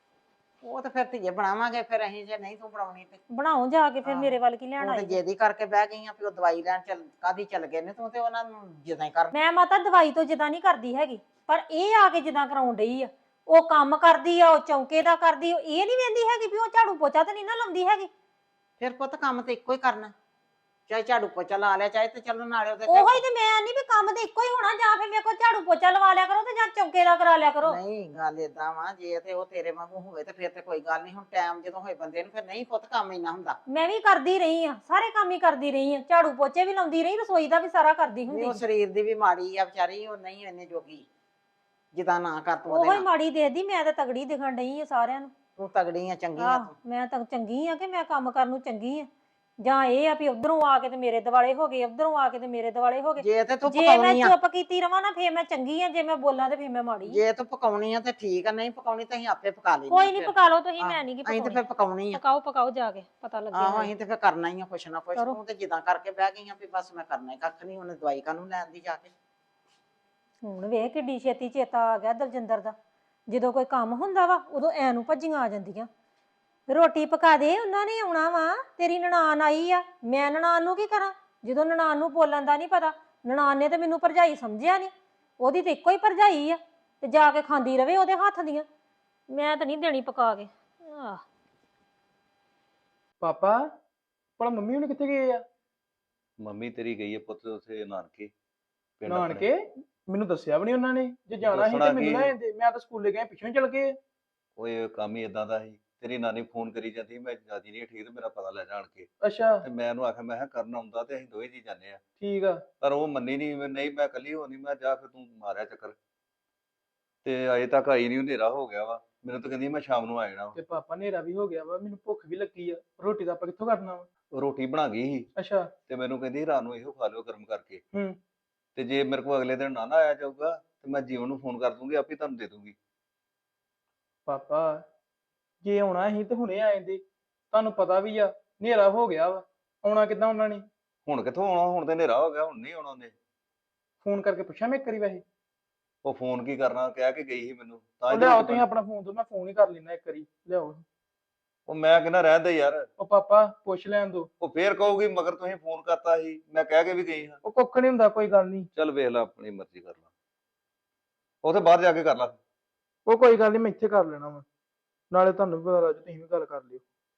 [SPEAKER 2] ਉਹ ਤੇ ਫਿਰ ਧੀਏ ਬਣਾਵਾਂਗੇ ਫਿਰ ਅਸੀਂ, ਜੇ ਨਹੀਂ ਤੂੰ ਬਣਾਉਣੀ ਤੇ
[SPEAKER 4] ਬਣਾਓ ਜਾ ਕੇ, ਫਿਰ
[SPEAKER 2] ਹਾਂ।
[SPEAKER 4] ਮੇਰੇ ਵੱਲ ਕੀ ਲੈਣ
[SPEAKER 2] ਤੂੰ ਤੇ
[SPEAKER 4] ਆਈ।
[SPEAKER 2] ਜੇਦੀ ਕਰਕੇ ਬਹਿ ਗਈ ਆ ਵੀ ਉਹ ਦਵਾਈ ਲੈਣ ਚੱਲ ਕਾਦੀ ਚੱਲ ਗਏ ਨੇ, ਤੂੰ ਤੇ ਉਹਨਾਂ ਨੂੰ ਜਿੱਦਾਂ ਹੀ ਕਰ।
[SPEAKER 4] ਮੈਂ ਮਾਤਾ ਦਵਾਈ ਤੋਂ ਜਿੱਦਾਂ ਨਹੀਂ ਕਰਦੀ ਹੈਗੀ, ਪਰ ਇਹ ਆ ਕੇ ਜਿੱਦਾਂ ਕਰਾਉਣ ਡਈ ਆ, ਉਹ ਕੰਮ ਕਰਦੀ ਆ, ਉਹ ਚੌਂਕੇ ਦਾ ਕਰਦੀ, ਉਹ ਇਹ ਨਹੀਂ ਵੇਂਦੀ ਹੈਗੀ ਵੀ ਉਹ ਝਾੜੂ ਪੋਚਾ ਤੇ ਨਹੀਂ ਨਾ ਲਾਉਂਦੀ ਹੈਗੀ।
[SPEAKER 2] ਫਿਰ ਪੁੱਤ ਕੰਮ ਤੇ ਇੱਕੋ ਹੀ ਕਰਨਾ, ਚਾਹੇ ਝਾੜੂ ਪੋਚਾ ਲਾ ਲਿਆ, ਚਾਹੇ ਤੇ ਚੱਲ ਨਾਲੇ ਉਹਦੇ
[SPEAKER 4] ਉਹੋ ਹੀ ਤੇ ਮੈਂ ਨਹੀਂ ਵੀ ਕੰਮ ਤੇ ਇੱਕੋ ਹੀ ਹੋਣਾ, ਜਾਂ ਫਿਰ ਮੇਰੇ ਕੋਲ ਝਾੜੂ ਪੋਚਾ ਲਵਾ ਲਿਆ ਕਰੋ ਤੇ ਜਾਂ ਚੌਂਕੇ ਦਾ ਕਰਾ ਲਿਆ ਕਰੋ।
[SPEAKER 2] ਨਹੀਂ ਗੱਲ ਏਦਾਂ ਵਾ, ਜੇ ਤੇ ਉਹ ਤੇਰੇ ਵਾਂਗੂ ਹੋਵੇ ਤੇ ਫਿਰ ਤੇ ਕੋਈ ਗੱਲ ਨਹੀਂ। ਹੁਣ ਟਾਈਮ ਜਦੋਂ ਹੋਏ ਬੰਦੇ ਨੂੰ ਫਿਰ ਨਹੀਂ ਪੁੱਤ ਕੰਮ ਇੰਨਾ ਹੁੰਦਾ।
[SPEAKER 4] ਮੈਂ ਵੀ ਕਰਦੀ ਰਹੀ ਆ, ਸਾਰੇ ਕੰਮ ਹੀ ਕਰਦੀ ਰਹੀ ਆ, ਝਾੜੂ ਪੋਚੇ ਵੀ ਲਾਉਂਦੀ ਰਹੀ, ਰਸੋਈ ਦਾ ਵੀ ਸਾਰਾ ਕਰਦੀ
[SPEAKER 2] ਨਹੀਂ ਉਹ
[SPEAKER 4] ਹੁੰਦੀ।
[SPEAKER 2] ਸਰੀਰ ਦੀ ਵੀ ਮਾੜੀ ਆ ਵਿਚਾਰੀ, ਉਹ ਨਹੀਂ ਇੰਨੇ ਜੋਗੀ ਜਿੱਦਾਂ ਨਾ ਕਰ ਤੂੰ
[SPEAKER 4] ਉਹੋ
[SPEAKER 2] ਉਹਦੇ
[SPEAKER 4] ਹੀ
[SPEAKER 2] ਨਾਲ।
[SPEAKER 4] ਮਾੜੀ ਦੇਖਦੀ, ਮੈਂ ਤਾਂ ਤਗੜੀ ਦਿਖਣ ਡਈ ਆ ਸਾਰਿਆਂ ਨੂੰ।
[SPEAKER 2] ਤੂੰ ਤਗੜੀ ਆ, ਚੰਗੀ ਆ
[SPEAKER 4] ਆਹ
[SPEAKER 2] ਤੂੰ।
[SPEAKER 4] ਮੈਂ ਤਾਂ ਚੰਗੀ ਆ ਕਿ ਮੈਂ ਕੰਮ ਕਰਨ ਨੂੰ ਚੰਗੀ ਆ, ਜਾਂ ਇਹ ਆ ਵੀ ਉਧਰੋਂ ਆ ਕੇ ਤੇ ਮੇਰੇ ਦਿਵਾਲੇ ਹੋ ਗਏ, ਉਧਰੋਂ ਆ ਕੇ ਤੇ ਮੇਰੇ ਦਿਵਾਲੇ ਹੋ ਗਏ।
[SPEAKER 2] ਜੇ ਤੇ ਤੂੰ
[SPEAKER 4] ਜੇ ਮੈਂ
[SPEAKER 2] ਪਕਾਉਣੀ ਆ,
[SPEAKER 4] ਚੁੱਪ ਕੀਤੀ ਰਵਾਂ ਨਾ ਫੇਰ ਮੈਂ ਚੰਗੀ ਆ, ਜੇ ਮੈਂ ਬੋਲਾਂ ਤੇ ਫੇਰ ਮੈਂ ਮਾੜੀ ਆ।
[SPEAKER 2] ਜੇ ਤੂੰ ਪਕਾਉਣੀ ਆ ਤੇ ਠੀਕ ਆ, ਨਹੀਂ ਪਕਾਉਣੀ ਤਾਂ ਅਸੀਂ ਆਪੇ ਪਕਾ ਲੈਣੀ।
[SPEAKER 4] ਕੋਈ ਨਹੀਂ ਪਕਾ ਲਓ ਤੁਸੀਂ, ਮੈਂ ਨਹੀਂ ਕੀ
[SPEAKER 2] ਅਸੀਂ ਤੇ
[SPEAKER 4] ਪਕਾਉਣੀ।
[SPEAKER 2] ਫਿਰ ਪਕਾਉਣੀ ਆ।
[SPEAKER 4] ਪਕਾਓ ਪਕਾਓ ਜਾ ਕੇ, ਪਤਾ
[SPEAKER 2] ਆਹੋ
[SPEAKER 4] ਲੱਗਿਆ।
[SPEAKER 2] ਅਸੀਂ ਤੇ ਫਿਰ ਕਰਨਾ ਹੀ ਆ ਕੁਛ ਨਾ ਕੁਛ।
[SPEAKER 4] ਕਰੋ।
[SPEAKER 2] ਤੂੰ ਤੇ ਜਿੱਦਾਂ ਕਰਕੇ ਬਹਿ ਗਈ ਆ ਵੀ ਬਸ ਮੈਂ ਕਰਨਾ ਹੀ ਕੱਖ ਨਹੀਂ, ਉਹਨੇ ਦਵਾਈ ਕਾਹਨੂੰ ਲੈਣ ਦੀ ਜਾ ਕੇ।
[SPEAKER 4] ਹੁਣ ਵੇਖ ਕਿੱਡੀ ਛੇਤੀ ਚੇਤਾ ਆ ਗਿਆ ਦਲਜਿੰਦਰ ਦਾ, ਜਦੋਂ ਕੋਈ ਕੰਮ ਹੁੰਦਾ ਵਾ ਉਦੋਂ ਐ ਨੂੰ ਭੱਜੀਆਂ ਆ ਜਾਂਦੀਆਂ। ਰੋਟੀ ਪਕਾ ਦੇ, ਉਹਨਾਂ ਨੇ ਆਉਣਾ ਵਾ, ਤੇਰੀ ਨਨਾਣ ਆਈ ਆ, ਮੈਂ ਨਨਾਣ ਨੂੰ ਕੀ ਕਰਾਂ ਜਦੋਂ ਨਨਾਣ ਨੂੰ ਬੋਲਣ ਦਾ ਨਹੀਂ ਪਤਾ। ਨਨਾਣ ਨੇ ਤੇ ਮੈਨੂੰ ਭਰਜਾਈ ਸਮਝਿਆ ਨਹੀਂ, ਉਹਦੀ ਤੇ ਇੱਕੋ ਹੀ ਭਰਜਾਈ ਆ, ਤੇ ਜਾ ਕੇ ਖਾਂਦੀ ਰਵੇ ਉਹਦੇ ਹੱਥ ਦੀਆਂ, ਮੈਂ ਤਾਂ ਨਹੀਂ ਦੇਣੀ ਪਕਾ ਕੇ। ਆਹ
[SPEAKER 5] ਪਾਪਾ ਭਲਾ ਮੰਮੀ ਹੁਣ ਕਿੱਥੇ ਗਏ ਆ?
[SPEAKER 6] ਮੰਮੀ ਤੇਰੀ ਗਈ ਹੈ ਪੁੱਤ ਉੱਥੇ ਨਾਨਕੇ ਪਿੰਡ ਆਪਣੇ।
[SPEAKER 5] ਨਾਨਕੇ? ਮੈਨੂੰ ਦੱਸਿਆ ਵੀ ਨਹੀਂ ਉਹਨਾਂ ਨੇ, ਜੇ ਜਾਣਾ ਸੀ
[SPEAKER 6] ਦੱਸਣਾ
[SPEAKER 5] ਤੇ ਮੈਨੂੰ
[SPEAKER 6] ਕੀ?
[SPEAKER 5] ਲੈ ਜਾਂਦੇ, ਮੈਂ ਤਾਂ ਸਕੂਲੇ ਗਿਆ ਪਿੱਛੋਂ ਹੀ ਚਲ ਗਏ।
[SPEAKER 6] ਓਏ ਕੰਮ ਹੀ ਇਦਾਂ ਦਾ ਸੀ, ਤੇਰੀ ਨਾਨੀ ਫੋਨ ਕਰੀ ਜਾਂਦੀ ਮੈਂ ਜਿਆਦੀ ਨਹੀਂ ਠੀਕ ਤੇ ਮੇਰਾ ਪਤਾ ਲੈ ਜਾਣ ਕੇ,
[SPEAKER 5] ਅੱਛਾ
[SPEAKER 6] ਤੇ ਮੈਂ ਉਹਨੂੰ ਆਖਿਆ ਮੈਂ ਕਿਹਾ ਕਰਨ ਆਉਂਦਾ ਤੇ ਅਸੀਂ ਦੋਵੇਂ ਜੀ ਜਾਂਦੇ ਆ,
[SPEAKER 5] ਠੀਕ ਆ।
[SPEAKER 6] ਪਰ ਉਹ ਮੰਨੀ ਨਹੀਂ, ਨਹੀਂ ਮੈਂ ਇਕੱਲੀ ਹੋਣੀ, ਮੈਂ ਜਾ ਫਿਰ ਤੂੰ ਮਾਰਿਆ ਚੱਕਰ, ਤੇ ਅਜੇ ਤੱਕ ਆਈ ਨਹੀਂ, ਹਨੇਰਾ ਹੋ ਗਿਆ ਵਾ, ਮੈਨੂੰ ਤਾਂ ਕਹਿੰਦੀ ਮੈਂ ਸ਼ਾਮ ਨੂੰ ਆ ਜਾਣਾ ਵਾ।
[SPEAKER 5] ਤੇ ਪਾਪਾ ਹਨੇਰਾ ਵੀ ਹੋ ਗਿਆ ਵਾ, ਮੈਨੂੰ ਭੁੱਖ ਵੀ ਲੱਗੀ ਆ, ਰੋਟੀ ਦਾ ਆਪਾਂ ਕਿੱਥੋਂ ਕਰਨਾ ਵਾ?
[SPEAKER 6] ਉਹ ਰੋਟੀ ਬਣਾ ਗਈ ਸੀ
[SPEAKER 5] ਅੱਛਾ
[SPEAKER 6] ਤੇ ਮੈਨੂੰ ਕਹਿੰਦੀ ਰਾਤ ਨੂੰ ਇਹੋ ਖਾ ਲਿਓ ਗਰਮ ਕਰਕੇ,
[SPEAKER 5] ਹੂੰ
[SPEAKER 6] ਤੇ ਜੇ ਮੇਰੇ ਕੋਲ ਅਗਲੇ ਦਿਨ ਨਾ ਨਾ ਆਇਆ ਜਾਊਗਾ ਤੇ ਮੈਂ ਜੀਵਨ ਨੂੰ ਫੋਨ ਕਰ ਦੂੰਗੀ, ਆਪੇ ਤੁਹਾਨੂੰ ਦੇ ਦੂੰਗੀ।
[SPEAKER 5] ਪਾਪਾ ਜੇ ਆਉਣਾ ਸੀ ਤੇ ਹੁਣੇ ਆ ਜਾਂਦੇ, ਤੁਹਾਨੂੰ ਪਤਾ ਵੀ ਆ ਹਨੇਰਾ ਹੋ ਗਿਆ ਵਾ, ਆਉਣਾ ਕਿੱਦਾਂ ਉਹਨਾਂ ਨੇ?
[SPEAKER 6] ਹੁਣ ਕਿੱਥੋਂ ਆਉਣਾ, ਹੁਣ ਤੇ ਹਨੇਰਾ ਹੋ ਗਿਆ, ਹੁਣ ਨਹੀਂ ਆਉਣਾ ਉਹਨੇ।
[SPEAKER 5] ਫੋਨ ਕਰਕੇ ਪੁੱਛਾਂ ਮੈਂ ਇੱਕ ਵਾਰੀ ਵੈਸੇ?
[SPEAKER 6] ਉਹ ਫੋਨ ਕੀ ਕਰਨਾ, ਕਹਿ ਕੇ ਗਈ ਸੀ ਮੈਨੂੰ, ਤਾਂ ਹੀ
[SPEAKER 5] ਉਹ ਲਿਆਓ
[SPEAKER 6] ਰੋਟੀ
[SPEAKER 5] ਤੁਸੀਂ ਆਪਣਾ ਫੋਨ ਤੋਂ, ਮੈਂ ਫੋਨ ਹੀ ਕਰ ਲੈਣਾ ਇੱਕ ਵਾਰੀ, ਲਿਆਓ।
[SPEAKER 6] ਉਹ ਮੈਂ ਕਹਿੰਦਾ ਰਹਿਣ ਦੇ ਯਾਰ,
[SPEAKER 5] ਉਹ ਪਾਪਾ ਪੁੱਛ ਲੈਣ ਦੋ।
[SPEAKER 6] ਉਹ ਫੇਰ ਕਹੂਗੀ ਮਗਰ ਤੁਸੀਂ ਫੋਨ ਕਰਤਾ ਸੀ, ਮੈਂ ਕਹਿ ਕੇ ਵੀ ਗਈ ਹਾਂ।
[SPEAKER 5] ਉਹ ਕੁੱਖ ਨਹੀਂ ਹੁੰਦਾ, ਕੋਈ ਗੱਲ ਨਹੀਂ।
[SPEAKER 6] ਚੱਲ ਵੇਖ ਲੈ, ਆਪਣੀ ਮਰਜ਼ੀ ਕਰ ਲੈ, ਉੱਥੇ ਬਾਹਰ ਜਾ ਕੇ ਕਰ ਲੈ।
[SPEAKER 5] ਉਹ ਕੋਈ ਗੱਲ ਨਹੀਂ, ਮੈਂ ਇੱਥੇ ਕਰ ਲੈਣਾ ਵਾ, ਨਾਲੇ ਤੁਹਾਨੂੰ ਵੀ ਪਤਾ ਲੱਗ ਜੂ, ਤੁਸੀਂ ਵੀ ਗੱਲ ਕਰ ਲਿਓ।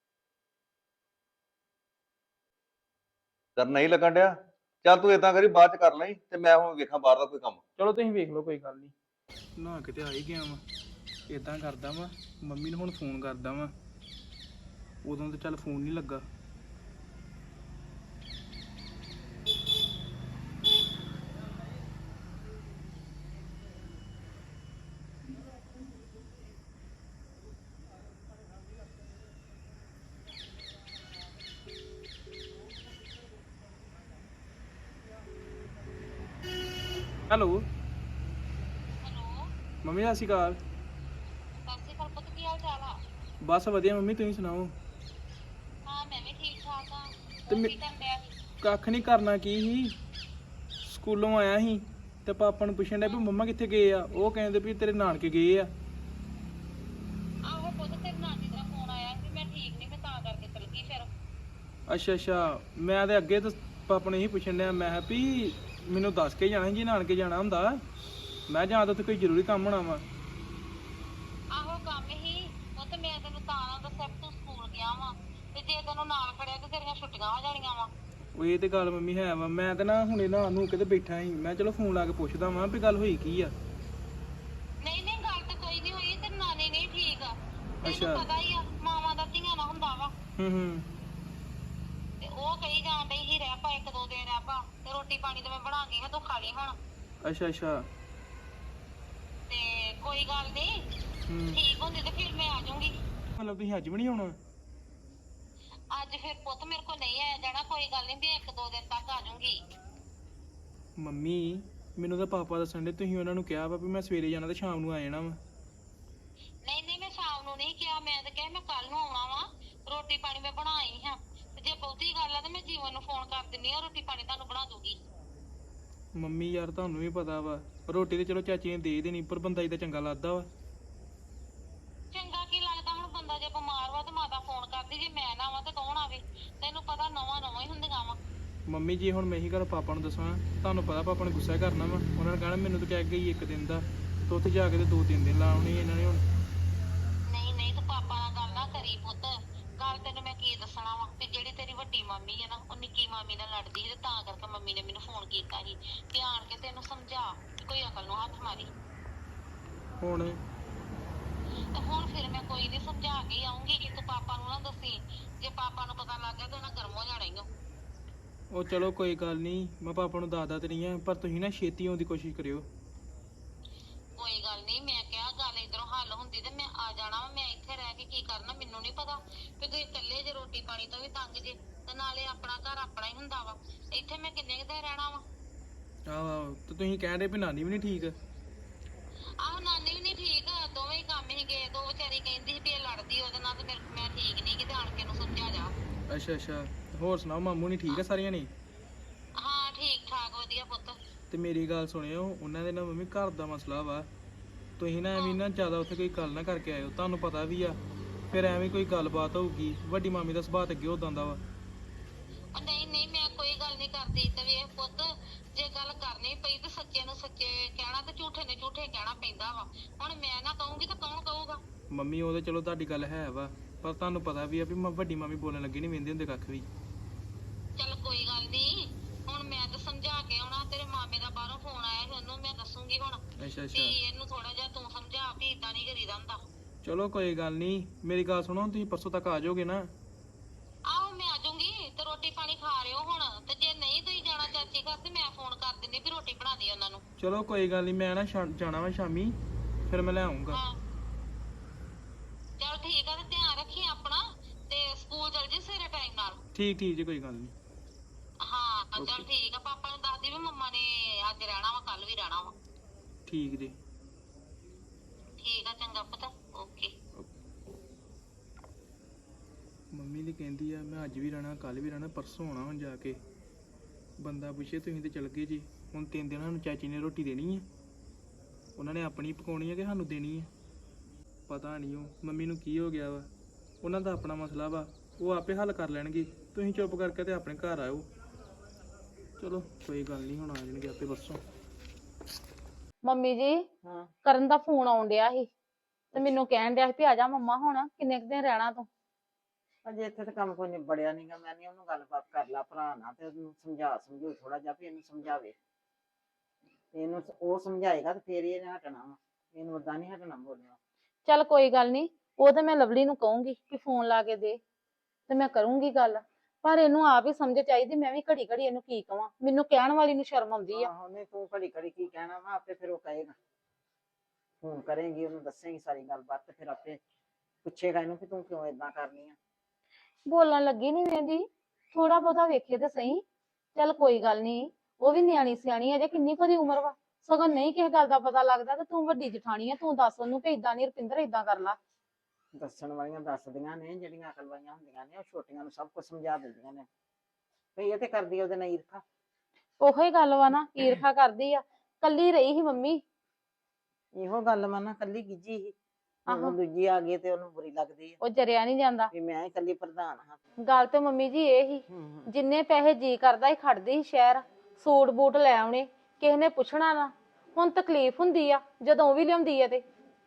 [SPEAKER 6] ਕਰ ਨਹੀਂ ਲੱਗਣ ਡਿਆ, ਚੱਲ ਤੂੰ ਏਦਾਂ ਕਰੀ ਬਾਅਦ ਚ ਕਰ ਲਈ, ਤੇ ਮੈਂ ਹੁਣ ਵੇਖਾਂ ਬਾਹਰ ਦਾ ਕੋਈ ਕੰਮ।
[SPEAKER 5] ਚਲੋ ਤੁਸੀਂ ਵੇਖ ਲਓ, ਕੋਈ ਗੱਲ ਨਹੀਂ। ਨਾ ਕਿਤੇ ਆ ਹੀ ਗਿਆ ਵਾ, ਏਦਾਂ ਕਰਦਾ ਵਾ, ਮੰਮੀ ਨੂੰ ਹੁਣ ਫੋਨ ਕਰਦਾ ਵਾ, ਉਦੋਂ ਤੇ ਚੱਲ ਫੋਨ ਨਹੀਂ ਲੱਗਾ। ਹੈਲੋ
[SPEAKER 3] ਹੈਲੋ
[SPEAKER 5] ਮੰਮੀ, ਸਤਿ ਸ਼੍ਰੀ ਅਕਾਲ।
[SPEAKER 3] ਸਤਿ ਸ਼੍ਰੀ ਅਕਾਲ ਪੁੱਤ, ਕੀ ਹਾਲ ਚਾਲ ਆ?
[SPEAKER 5] ਬਸ ਵਧੀਆ ਮੰਮੀ, ਤੁਸੀਂ ਸੁਣਾਓ?
[SPEAKER 3] ਹਾਂ ਮੈਂ ਵੀ ਠੀਕ ਠਾਕ ਆ।
[SPEAKER 5] ਤੇ
[SPEAKER 3] ਹੋਰ
[SPEAKER 5] ਮੈਂ-
[SPEAKER 3] ਕੀ ਕਰਨ ਡਿਆ ਸੀ?
[SPEAKER 5] ਕੱਖ ਨਹੀਂ ਕਰਨਾ, ਕੀ ਸੀ ਸਕੂਲੋਂ ਆਇਆ ਸੀ ਤੇ ਪਾਪਾ ਨੂੰ ਪੁੱਛਣ ਡਿਆ ਵੀ ਮੰਮਾ ਕਿੱਥੇ ਗਏ ਆ, ਉਹ ਕਹਿੰਦੇ ਵੀ ਤੇਰੇ ਨਾਨਕੇ ਗਏ ਆ।
[SPEAKER 3] ਆਹੋ ਪੁੱਤ, ਤੇਰੇ ਨਾਨੀ ਦਾ ਫੋਨ ਆਇਆ ਸੀ, ਮੈਂ ਠੀਕ ਨਹੀਂ, ਮੈਂ ਤਾਂ ਕਰਕੇ ਚਲ ਗਈ ਫਿਰ।
[SPEAKER 5] ਅੱਛਾ ਅੱਛਾ, ਮੈਂ ਤੇ ਅੱਗੇ ਤਾਂ ਪਾਪਾ ਨੂੰ ਇਹੀ ਪੁੱਛਣ ਡਿਆ, ਮੈਂ ਕਿਹਾ ਵੀ ਮੈਨੂੰ ਦੱਸ ਕੇ ਜਾਣਾ ਸੀ ਜੇ ਨਾਨਕੇ ਜਾਣਾ ਹੁੰਦਾ। ਮੈਂ ਜਾਂ ਤਾਂ ਉੱਥੇ ਕੋਈ ਜ਼ਰੂਰੀ ਕੰਮ ਹੋਣਾ ਵਾ।
[SPEAKER 3] ਆਹੋ ਕੰਮ ਹੀ ਉਹ ਤੇ ਮੈਂ ਤੈਨੂੰ ਤਾਂ ਨਾ ਦੱਸਿਆ ਵੀ ਤੂੰ ਸਕੂਲ ਗਿਆ ਵਾ ਤੇ ਜੇ ਤੈਨੂੰ ਨਾਲ ਖੜਿਆ ਤੇ ਤੇਰੀਆਂ ਛੁੱਟੀਆਂ ਹੋ ਜਾਣੀਆਂ ਵਾ।
[SPEAKER 5] ਉਹ ਇਹ ਤੇ ਗੱਲ ਮੰਮੀ ਹੈ ਵਾ, ਮੈਂ ਤੇ ਨਾ ਹੁਣੇ ਨਾ ਨੂੰ ਕਿਤੇ ਬੈਠਾ ਸੀ, ਮੈਂ ਚਲੋ ਫੋਨ ਲਾ ਕੇ ਪੁੱਛਦਾ ਵਾਂ ਵੀ ਗੱਲ ਹੋਈ ਕੀ ਆ।
[SPEAKER 3] ਨਹੀਂ ਨਹੀਂ ਗੱਲ ਤੇ ਕੋਈ ਨਹੀਂ ਹੋਈ ਤੇ ਨਾਨੀ ਨਹੀਂ ਠੀਕ ਆ।
[SPEAKER 5] ਅੱਛਾ।
[SPEAKER 3] ਤੈਨੂੰ ਪਤਾ ਹੀ ਆ ਮਾਵਾਂ ਦਾ ਧੀਆਂ ਨਾ ਹੁੰਦਾ ਵਾ
[SPEAKER 5] ਹੂੰ ਹੂੰ।
[SPEAKER 3] ਤੇ ਉਹ ਕਹੀ ਜਾਣ ਡਈ ਸੀ ਰਹਿ ਪਾ ਇੱਕ ਦੋ ਦਿਨ ਰਹਿ ਪਾ ਤੇ ਰੋਟੀ ਪਾਣੀ ਤੇ ਮੈਂ ਬਣਾ ਗਈ ਹਾਂ ਤੂੰ ਖਾ ਲਈ ਹੁਣ।
[SPEAKER 5] ਅੱਛਾ ਅੱਛਾ।
[SPEAKER 3] ਤੇ ਕੋਈ ਗੱਲ ਨਹੀਂ
[SPEAKER 5] ਹੂੰ।
[SPEAKER 3] ਠੀਕ ਹੁੰਦੀ ਤੇ ਫਿਰ ਮੈਂ ਆ ਜਾਊਂਗੀ।
[SPEAKER 5] ਮਤਲਬ ਤੁਸੀਂ ਅੱਜ ਵੀ ਨਹੀਂ ਆਉਣਾ?
[SPEAKER 3] ਅੱਜ ਫਿਰ ਪੁੱਤ ਮੇਰੇ ਕੋਲ ਨਹੀਂ ਆਇਆ ਜਾਣਾ ਕੋਈ ਗੱਲ ਨਹੀਂ ਵੀ ਇੱਕ ਦੋ ਦਿਨ ਤੱਕ ਆ ਜਾਊਂਗੀ।
[SPEAKER 5] ਮੰਮੀ ਮੈਨੂੰ ਤਾਂ ਪਾਪਾ ਦੱਸਣ ਦੇ ਤੁਸੀਂ ਉਹਨਾਂ ਨੂੰ ਕਿਹਾ ਵਾ ਵੀ ਮੈਂ ਸਵੇਰੇ ਜਾਣਾ ਤੇ ਸ਼ਾਮ ਨੂੰ ਆ ਜਾਣਾ ਵਾ।
[SPEAKER 3] ਨਹੀਂ ਨਹੀਂ ਮੈਂ ਸ਼ਾਮ ਨੂੰ ਨਹੀਂ ਕਿਹਾ ਮੈਂ ਤਾਂ ਕਿਹਾ ਮੈਂ ਕੱਲ ਨੂੰ ਆਉਣਾ ਵਾ ਰੋਟੀ ਪਾਣੀ ਮੈਂ ਬਣਾਈ ਹਾਂ ਤੇ ਜੇ ਬਹੁਤੀ ਗੱਲ ਆ ਤੇ ਮੈਂ ਜੀਵਨ ਨੂੰ ਫੋਨ ਕਰ ਦਿੰਨੀ ਆ ਰੋਟੀ ਪਾਣੀ ਤੁਹਾਨੂੰ ਬਣਾ ਦੂਗੀ।
[SPEAKER 5] ਮੰਮੀ ਯਾਰ ਤੁਹਾਨੂੰ ਵੀ ਪਤਾ ਵਾ ਰੋਟੀ ਤੇ ਚਲੋ ਚਾਚੀ ਨੇ ਦੇ ਦੇਣੀ ਪਰ ਬੰਦਾ ਇਹਦਾ ਚੰਗਾ ਲੱਗਦਾ ਵਾ।
[SPEAKER 3] ਚੰਗਾ ਕੀ ਲੱਗਦਾ ਹੁਣ ਬੰਦਾ ਜੇ ਬਿਮਾਰ ਵਾ ਤੇ ਮਾਤਾ ਫੋਨ ਕਰਦੀ ਜੇ ਮੈਂ ਨਾ ਆਵਾਂ ਤੇ ਕੌਣ ਆਵੇ ਤੈਨੂੰ ਪਤਾ ਨਵਾਂ ਨਵਾਂ ਹੀ ਹੁੰਦੀਆਂ ਵਾ।
[SPEAKER 5] ਮੰਮੀ ਜੀ ਹੁਣ ਮੈਂ ਇਹੀ ਗੱਲ ਪਾਪਾ ਨੂੰ ਦੱਸਾਂ ਤੁਹਾਨੂੰ ਪਤਾ ਪਾਪਾ ਨੇ ਗੁੱਸਾ ਕਰਨਾ ਵਾ, ਉਹਨਾਂ ਨੇ ਕਹਿਣਾ ਮੈਨੂੰ ਤਾਂ ਕਹਿ ਗਈ ਇੱਕ ਦਿਨ ਦਾ ਤੇ ਉੱਥੇ ਜਾ ਕੇ ਤੇ ਦੋ ਤਿੰਨ ਦਿਨ ਲਾਉਣੀ ਇਹਨਾਂ ਨੇ ਹੁਣ।
[SPEAKER 3] ਨਹੀਂ ਨਹੀਂ ਤੂੰ ਪਾਪਾ ਨਾਲ ਗੱਲ ਨਾ ਕਰੀ ਪੁੱਤ ਗੱਲ ਤੈਨੂੰ ਮੈਂ ਕੀ ਦੱਸਣਾ ਵਾ ਤੇ ਜਿਹੜੀ ਤੇਰੀ ਵੱਡੀ ਮਾਮੀ ਹੈ ਨਾ ਉਹ ਨਿੱਕੀ ਮਾਮੀ ਨਾਲ ਲੜਦੀ ਸੀ ਤੇ ਤਾਂ ਕਰਕੇ ਮੰਮੀ ਨੇ ਮੈਨੂੰ ਫੋਨ ਕੀਤਾ ਸੀ ਤੇ ਆਣ ਕੇ ਤੈਨੂੰ ਸਮਝਾ ਕਿ ਕੋਈ ਅਕਲ ਨੂੰ ਹੱਥ ਮਾਰੀ।
[SPEAKER 5] ਹੁਣ
[SPEAKER 3] ਤੇ ਹੁਣ ਫਿਰ ਮੈਂ ਕੋਈ ਨਹੀਂ ਸਮਝਾ ਕੇ ਆਉਂਗੀ ਕਿ ਤੂੰ ਪਾਪਾ ਨੂੰ ਨਾ ਦੱਸੀ ਜੇ ਪਾਪਾ ਨੂੰ ਪਤਾ ਲੱਗ ਗਿਆ ਤਾਂ ਉਹਨਾਂ ਗਰਮ ਹੋ ਜਾਣਾ ਈ ਓ।
[SPEAKER 5] ਉਹ ਚਲੋ ਕੋਈ ਗੱਲ ਨਹੀਂ ਮੈਂ ਪਾਪਾ ਨੂੰ ਦੱਸਦਾ ਤੇ ਨਹੀਂ ਆ ਪਰ ਤੁਸੀਂ ਨਾ ਛੇਤੀ ਆਉਣ ਦੀ ਕੋਸ਼ਿਸ਼ ਕਰਿਓ।
[SPEAKER 3] ਕੋਈ ਗੱਲ ਨਹੀਂ ਮੈਂ ਕਿਹਾ ਗੱਲ ਇਧਰੋਂ ਹੱਲ ਹੁੰਦੀ ਤੇ ਮੈਂ ਆ ਜਾਣਾ ਵਾ ਮੈਂ ਇੱਥੇ ਰਹਿ ਕੇ ਕੀ ਕਰਨਾ ਮੈਨੂੰ ਨਹੀਂ ਪਤਾ ਕਿ ਤੁਸੀਂ ਇਕੱਲੇ ਜੇ ਰੋਟੀ ਪਾਣੀ ਤੋਂ ਵੀ ਤੰਗ ਜੇ ਤੇ ਨਾਲੇ ਆਪਣਾ ਘਰ ਆਪਣਾ ਹੀ ਹੁੰਦਾ ਵਾ ਇੱਥੇ ਮੈਂ ਕਿੰਨੇ ਕੁ ਦਿਨ ਰਹਿਣਾ ਵਾ।
[SPEAKER 5] ਆਹੋ ਆਹੋ ਤੇ ਤੁਸੀਂ ਕਹਿਣ ਦੇ ਵੀ ਨਾਨੀ ਵੀ ਨਹੀਂ ਠੀਕ।
[SPEAKER 3] ਆਹੋ ਨਾਨੀ ਵੀ ਨਹੀਂ ਠੀਕ ਦੋਵੇਂ ਹੀ ਕੰਮ ਹੀ ਗਏ ਦੋ ਵਿਚਾਰੀ ਕਹਿੰਦੀ ਸੀ ਵੀ ਇਹ ਲੜਦੀ ਉਹਦੇ ਨਾਲ ਤੇ ਮੇਰੇ ਮੈਂ ਠੀਕ ਨਹੀਂ ਕਿਤੇ ਆਣ ਕੇ ਨੂੰ ਸਮਝਾ ਜਾ।
[SPEAKER 5] ਅੱਛਾ ਅੱਛਾ। ਹੋਰ ਸੁਣਾਓ ਮਾਮੂ ਨਹੀਂ ਠੀਕ ਆ ਸਾਰੀਆਂ ਨੇ?
[SPEAKER 3] ਹਾਂ ਠੀਕ ਠਾਕ ਵਧੀਆ ਪੁੱਤ।
[SPEAKER 5] ਤੇ ਮੇਰੀ ਗੱਲ ਸੁਣਿਓ ਉਹਨਾਂ ਦੇ ਨਾਲ ਮੰਮੀ ਘਰ ਦਾ ਮਸਲਾ ਵਾ ਤੁਸੀਂ ਨਾ ਐਵੇਂ ਨਾ ਜ਼ਿਆਦਾ ਉੱਥੇ ਕੋਈ ਗੱਲ ਨਾ ਕਰਕੇ ਆਇਓ ਤੁਹਾਨੂੰ ਪਤਾ ਵੀ ਆ ਫਿਰ ਐਵੇਂ ਕੋਈ ਗੱਲਬਾਤ ਹੋਊਗੀ ਵੱਡੀ ਮਾਮੀ ਦਾ ਸੁਭਾਅ ਅੱਗੇ ਉਦਾਂ ਦਾ ਵਾ।
[SPEAKER 3] ਉਹ ਨਹੀਂ ਨਹੀਂ ਮੈਂ ਕੋਈ ਗੱਲ ਨਹੀਂ ਕਰਦੀ ਤੇ ਵੇਖ ਪੁੱਤ ਜੇ ਗੱਲ ਕਰਨੀ ਪਈ ਤੇ ਸੱਚੇ ਨੂੰ ਸੱਚੇ ਕਹਿਣਾ ਤੇ ਝੂਠੇ ਨੇ ਝੂਠੇ ਕਹਿਣਾ ਪੈਂਦਾ ਵਾ ਹੁਣ ਮੈਂ ਨਾ ਕਹੂੰਗੀ ਤਾਂ ਕੌਣ ਕਹੂਗਾ।
[SPEAKER 5] ਮੰਮੀ ਉਹ ਤੇ ਚਲੋ ਤੁਹਾਡੀ ਗੱਲ ਹੈ ਵਾ ਪਰ ਤੁਹਾਨੂੰ ਪਤਾ ਵੀ ਆ ਵੀ ਮ- ਵੱਡੀ ਮਾਮੀ ਬੋਲਣ ਲੱਗੀ ਨਹੀਂ ਵਹਿੰਦੇ ਹੁੰਦੇ ਕੱਖ ਵੀ।
[SPEAKER 3] ਚੱਲ ਕੋਈ ਗੱਲ ਨਹੀਂ ਹੁਣ ਮੈਂ ਤਾਂ ਸਮਝਾ ਕੇ ਆਉਣਾ ਤੇਰੇ ਮਾਮੇ ਦਾ ਬਾਹਰੋਂ ਫੋਨ ਆਇਆ ਸੀ ਉਹਨੂੰ ਮੈਂ ਦੱਸੂਗੀ ਹੁਣ
[SPEAKER 5] ਅੱਛਾ
[SPEAKER 3] ਵੀ
[SPEAKER 5] ਅੱਛਾ।
[SPEAKER 3] ਇਹਨੂੰ ਥੋੜਾ ਜਿਹਾ ਤੂੰ ਸਮਝਾ ਵੀ ਇਦਾਂ ਨਹੀਂ ਕਰੀਦਾ ਹੁੰਦਾ।
[SPEAKER 5] ਚਲੋ ਕੋਈ ਗੱਲ ਨਹੀਂ ਮੇਰੀ ਗੱਲ ਸੁਣੋ ਤੁਸੀਂ ਪਰਸੋਂ ਤੱਕ ਆ ਜਾਓਗੇ ਨਾ?
[SPEAKER 3] ਆਹੋ ਮੈਂ ਆ ਜਾਊਂਗੀ ਤੇ ਰੋਟੀ ਪਾਣੀ ਖਾ ਰਿਓ ਹੁਣ ਤੇ ਜੇ ਨਹੀਂ ਤੁਸੀਂ ਜਾਣਾ ਚਾਚੀ ਘਰ ਤੇ ਮੈਂ ਫੋਨ ਕਰ ਦਿੰਦੀ ਵੀ ਰੋਟੀ ਬਣਾ ਦੇ ਉਹਨਾਂ ਨੂੰ।
[SPEAKER 5] ਚਲੋ ਕੋਈ ਗੱਲ ਨਹੀਂ ਮੈਂ ਨਾ ਸ਼ਾ- ਜਾਣਾ ਵਾ ਸ਼ਾਮੀ ਫਿਰ ਮੈਂ ਲੈ ਆਉਂਗਾ।
[SPEAKER 3] ਹਾਂ ਚਲ ਠੀਕ ਆ ਤੇ ਧਿਆਨ ਰੱਖੀ ਆਪਣਾ ਤੇ ਸਕੂਲ ਚਲ ਜੀ ਸਵੇਰੇ ਟਾਈਮ ਨਾਲ।
[SPEAKER 5] ਠੀਕ ਠੀਕ ਜੀ ਕੋਈ ਗੱਲ ਨਹੀਂ।
[SPEAKER 3] ਹਾਂ ਚਲ ਠੀਕ ਆ ਪਾਪਾ ਨੂੰ ਦੱਸਦੀ ਵੀ ਮੰਮਾ ਨੇ ਅੱਜ ਰਹਿਣਾ ਵਾ ਕੱਲ ਵੀ ਰਹਿਣਾ ਵਾ।
[SPEAKER 5] ਠੀਕ ਜੀ।
[SPEAKER 3] ਠੀਕ ਆ ਚੰਗਾ ਪਤਾ ਓਕੇ।
[SPEAKER 5] ਮੰਮੀ ਦੀ ਕਹਿੰਦੀ ਆ ਮੈਂ ਅੱਜ ਵੀ ਰਹਿਣਾ ਕੱਲ ਵੀ ਰਹਿਣਾ ਪਰਸੋਂ ਆਉਣਾ ਹੁਣ ਜਾ ਕੇ। ਬੰਦਾ ਪੁੱਛੇ ਤੁਸੀਂ ਤੇ ਚਲ ਗਏ ਜੀ ਹੁਣ ਤਿੰਨ ਦਿਨਾਂ ਨੂੰ ਚਾਚੀ ਨੇ ਰੋਟੀ ਦੇਣੀ ਆ ਉਹਨਾਂ ਨੇ ਆਪਣੀ ਪਕਾਉਣੀ ਆ ਕਿ ਸਾਨੂੰ ਦੇਣੀ ਆ ਪਤਾ ਨਹੀਂ ਉਹ ਮੰਮੀ ਨੂੰ ਕੀ ਹੋ ਗਿਆ ਵਾ ਉਹਨਾਂ ਦਾ ਆਪਣਾ ਮਸਲਾ ਵਾ ਉਹ ਆਪੇ ਹੱਲ ਕਰ ਲੈਣਗੇ ਤੁਸੀਂ ਚੁੱਪ ਕਰਕੇ ਤੇ ਆਪਣੇ ਘਰ ਆਇਓ। ਚਲੋ ਕੋਈ ਗੱਲ ਨਹੀਂ ਹੁਣ ਆ ਜਾਣਗੇ ਆਪੇ ਪਰਸੋਂ।
[SPEAKER 7] ਮੰਮੀ ਜੀ
[SPEAKER 2] ਹਾਂ
[SPEAKER 7] ਕਰਨ ਦਾ ਫੋਨ ਆਉਣ ਡਿਆ ਸੀ ਤੇ ਮੈਨੂੰ ਕਹਿਣ ਡਿਆ ਸੀ ਵੀ ਆ ਜਾ ਮੰਮਾ ਹੁਣ ਕਿੰਨੇ ਕੁ ਦਿਨ ਰਹਿਣਾ ਤੂੰ।
[SPEAKER 2] ਅਜੇ ਇੱਥੇ ਤਾਂ ਕੰਮ ਕੋਈ ਨਿਬੜਿਆ ਨਹੀਂਗਾ ਮੈਂ ਨਹੀਂ ਉਹਨੂੰ ਗੱਲਬਾਤ ਕਰ ਲਾ ਭਰਾ ਨਾਲ ਤੇ ਉਹਨੂੰ ਸਮਝਾ ਸਮਝੂ ਥੋੜਾ ਜਿਹਾ ਵੀ ਇਹਨੂੰ ਸਮਝਾਵੇ ਤੇ ਇਹਨੂੰ ਉਹ ਸਮਝਾਏਗਾ ਤੇ ਫੇਰ ਹੀ ਇਹਨੇ ਹਟਣਾ ਵਾ ਇਹਨੂੰ ਓਦਾਂ ਨਹੀਂ ਹਟਣਾ ਬੋਲਣਾ।
[SPEAKER 7] ਚੱਲ ਕੋਈ ਗੱਲ ਨਹੀਂ ਉਹ ਤੇ ਮੈਂ ਲਵਲੀ ਨੂੰ ਕਹੂੰਗੀ ਕਿ ਫੋਨ ਲਾ ਕੇ ਦੇ ਤੇ ਮੈਂ ਕਰੂੰਗੀ ਗੱਲ ਪਰ ਇਹਨੂੰ ਆਪ ਹੀ ਸਮਝ ਚਾਹੀਦੀ ਮੈਂ ਵੀ ਘੜੀ ਘੜੀ ਇਹਨੂੰ ਕੀ ਕਵਾਂ ਮੈਨੂੰ ਕਹਿਣ ਵਾਲੀ ਨੂੰ ਸ਼ਰਮ ਆਉਂਦੀ ਆ।
[SPEAKER 2] ਆਹੋ ਨਹੀਂ ਤੂੰ ਘੜੀ ਘੜੀ ਕੀ ਕਹਿਣਾ ਵਾ ਆਪੇ ਫਿਰ ਉਹ ਕਹੇਗਾ ਫੋਨ ਕਰੇਂਗੀ ਉਹਨੂੰ ਦੱਸੇਂਗੀ ਸਾਰੀ ਗੱਲਬਾਤ ਤੇ ਫਿਰ ਆਪੇ ਪੁੱਛੇਗਾ ਇਹਨੂੰ ਕਿ ਤੂੰ ਕਿਉਂ ਏਦਾਂ ਕਰਨੀ ਆ।
[SPEAKER 7] ਬੋਲਣ ਲੱਗੀ ਨਹੀਂ ਵੇਂਦੀ ਥੋੜਾ ਬਹੁਤਾ ਵੇਖੇ ਤੇ ਸਹੀ। ਚੱਲ ਕੋਈ ਗੱਲ ਨਹੀਂ ਉਹ ਵੀ ਨਿਆਣੀ ਸਿਆਣੀ ਅਜੇ ਕਿੰਨੀ ਕੁ ਦੀ ਉਮਰ ਵਾ ਸਗੋਂ ਨਹੀਂ ਕਿਸੇ ਗੱਲ ਦਾ ਪਤਾ ਲੱਗਦਾ ਤੇ ਤੂੰ ਵੱਡੀ ਜਠਾਣੀ ਆ ਤੂੰ ਦੱਸ ਉਹਨੂੰ ਕਿ ਏਦਾਂ ਨਹੀਂ ਰੁਪਿੰਦਰ ਏਦਾਂ ਕਰ ਲਾ।
[SPEAKER 2] ਦੱਸਣ ਵਾਲੀਆਂ ਦੱਸਦੀਆਂ ਨੇ ਜਿਹੜੀਆਂ ਅਕਲ ਵਾਲੀਆਂ ਹੁੰਦੀਆਂ ਨੇ ਉਹ ਛੋਟੀਆਂ ਨੂੰ ਸਭ ਕੁਝ ਸਮਝਾ ਦਿੰਦੀਆਂ ਨੇ ਭਈ ਇਹ ਤੇ ਕਰਦੀ ਉਹਦੇ ਨਾਲ ਈਰਖਾ।
[SPEAKER 7] ਉਹੋ ਹੀ ਗੱਲ ਵਾ ਨਾ ਈਰਖਾ ਕਰਦੀ ਆ ਕੱਲੀ ਰਹੀ ਸੀ ਮੰਮੀ।
[SPEAKER 2] ਇਹੋ ਗੱਲ ਵਾ ਨਾ ਕੱਲੀ ਗਿੱਜੀ ਸੀ
[SPEAKER 7] ਆਹੋ।
[SPEAKER 2] ਹੁਣ ਦੂਜੀ ਆ ਗਈ ਤੇ ਉਹਨੂੰ ਬੁਰੀ ਲੱਗਦੀ ਆ
[SPEAKER 7] ਉਹ ਜਰਿਆ ਨਹੀਂ ਜਾਂਦਾ।
[SPEAKER 2] ਵੀ ਮੈਂ ਹੀ ਕੱਲੀ ਪ੍ਰਧਾਨ ਹਾਂ।
[SPEAKER 7] ਗੱਲ ਤੇ ਮੰਮੀ ਜੀ ਇਹ ਹੀ
[SPEAKER 2] ਹੂੰ ਹੂੰ
[SPEAKER 7] ਜਿੰਨੇ ਪੈਸੇ ਜੀ ਕਰਦਾ ਹੀ ਖੜਦੀ ਸੀ ਸ਼ਹਿਰ ਸੂਟ ਬੂਟ ਲੈ ਆਉਣੇ ਕਿਸੇ ਨੇ ਪੁੱਛਣਾ ਨਾ ਹੁਣ ਤਕਲੀਫ ਹੁੰਦੀ ਆ ਜਦੋਂ ਵੀ ਲਿਆਉਂਦੀ ਆ ਤੇ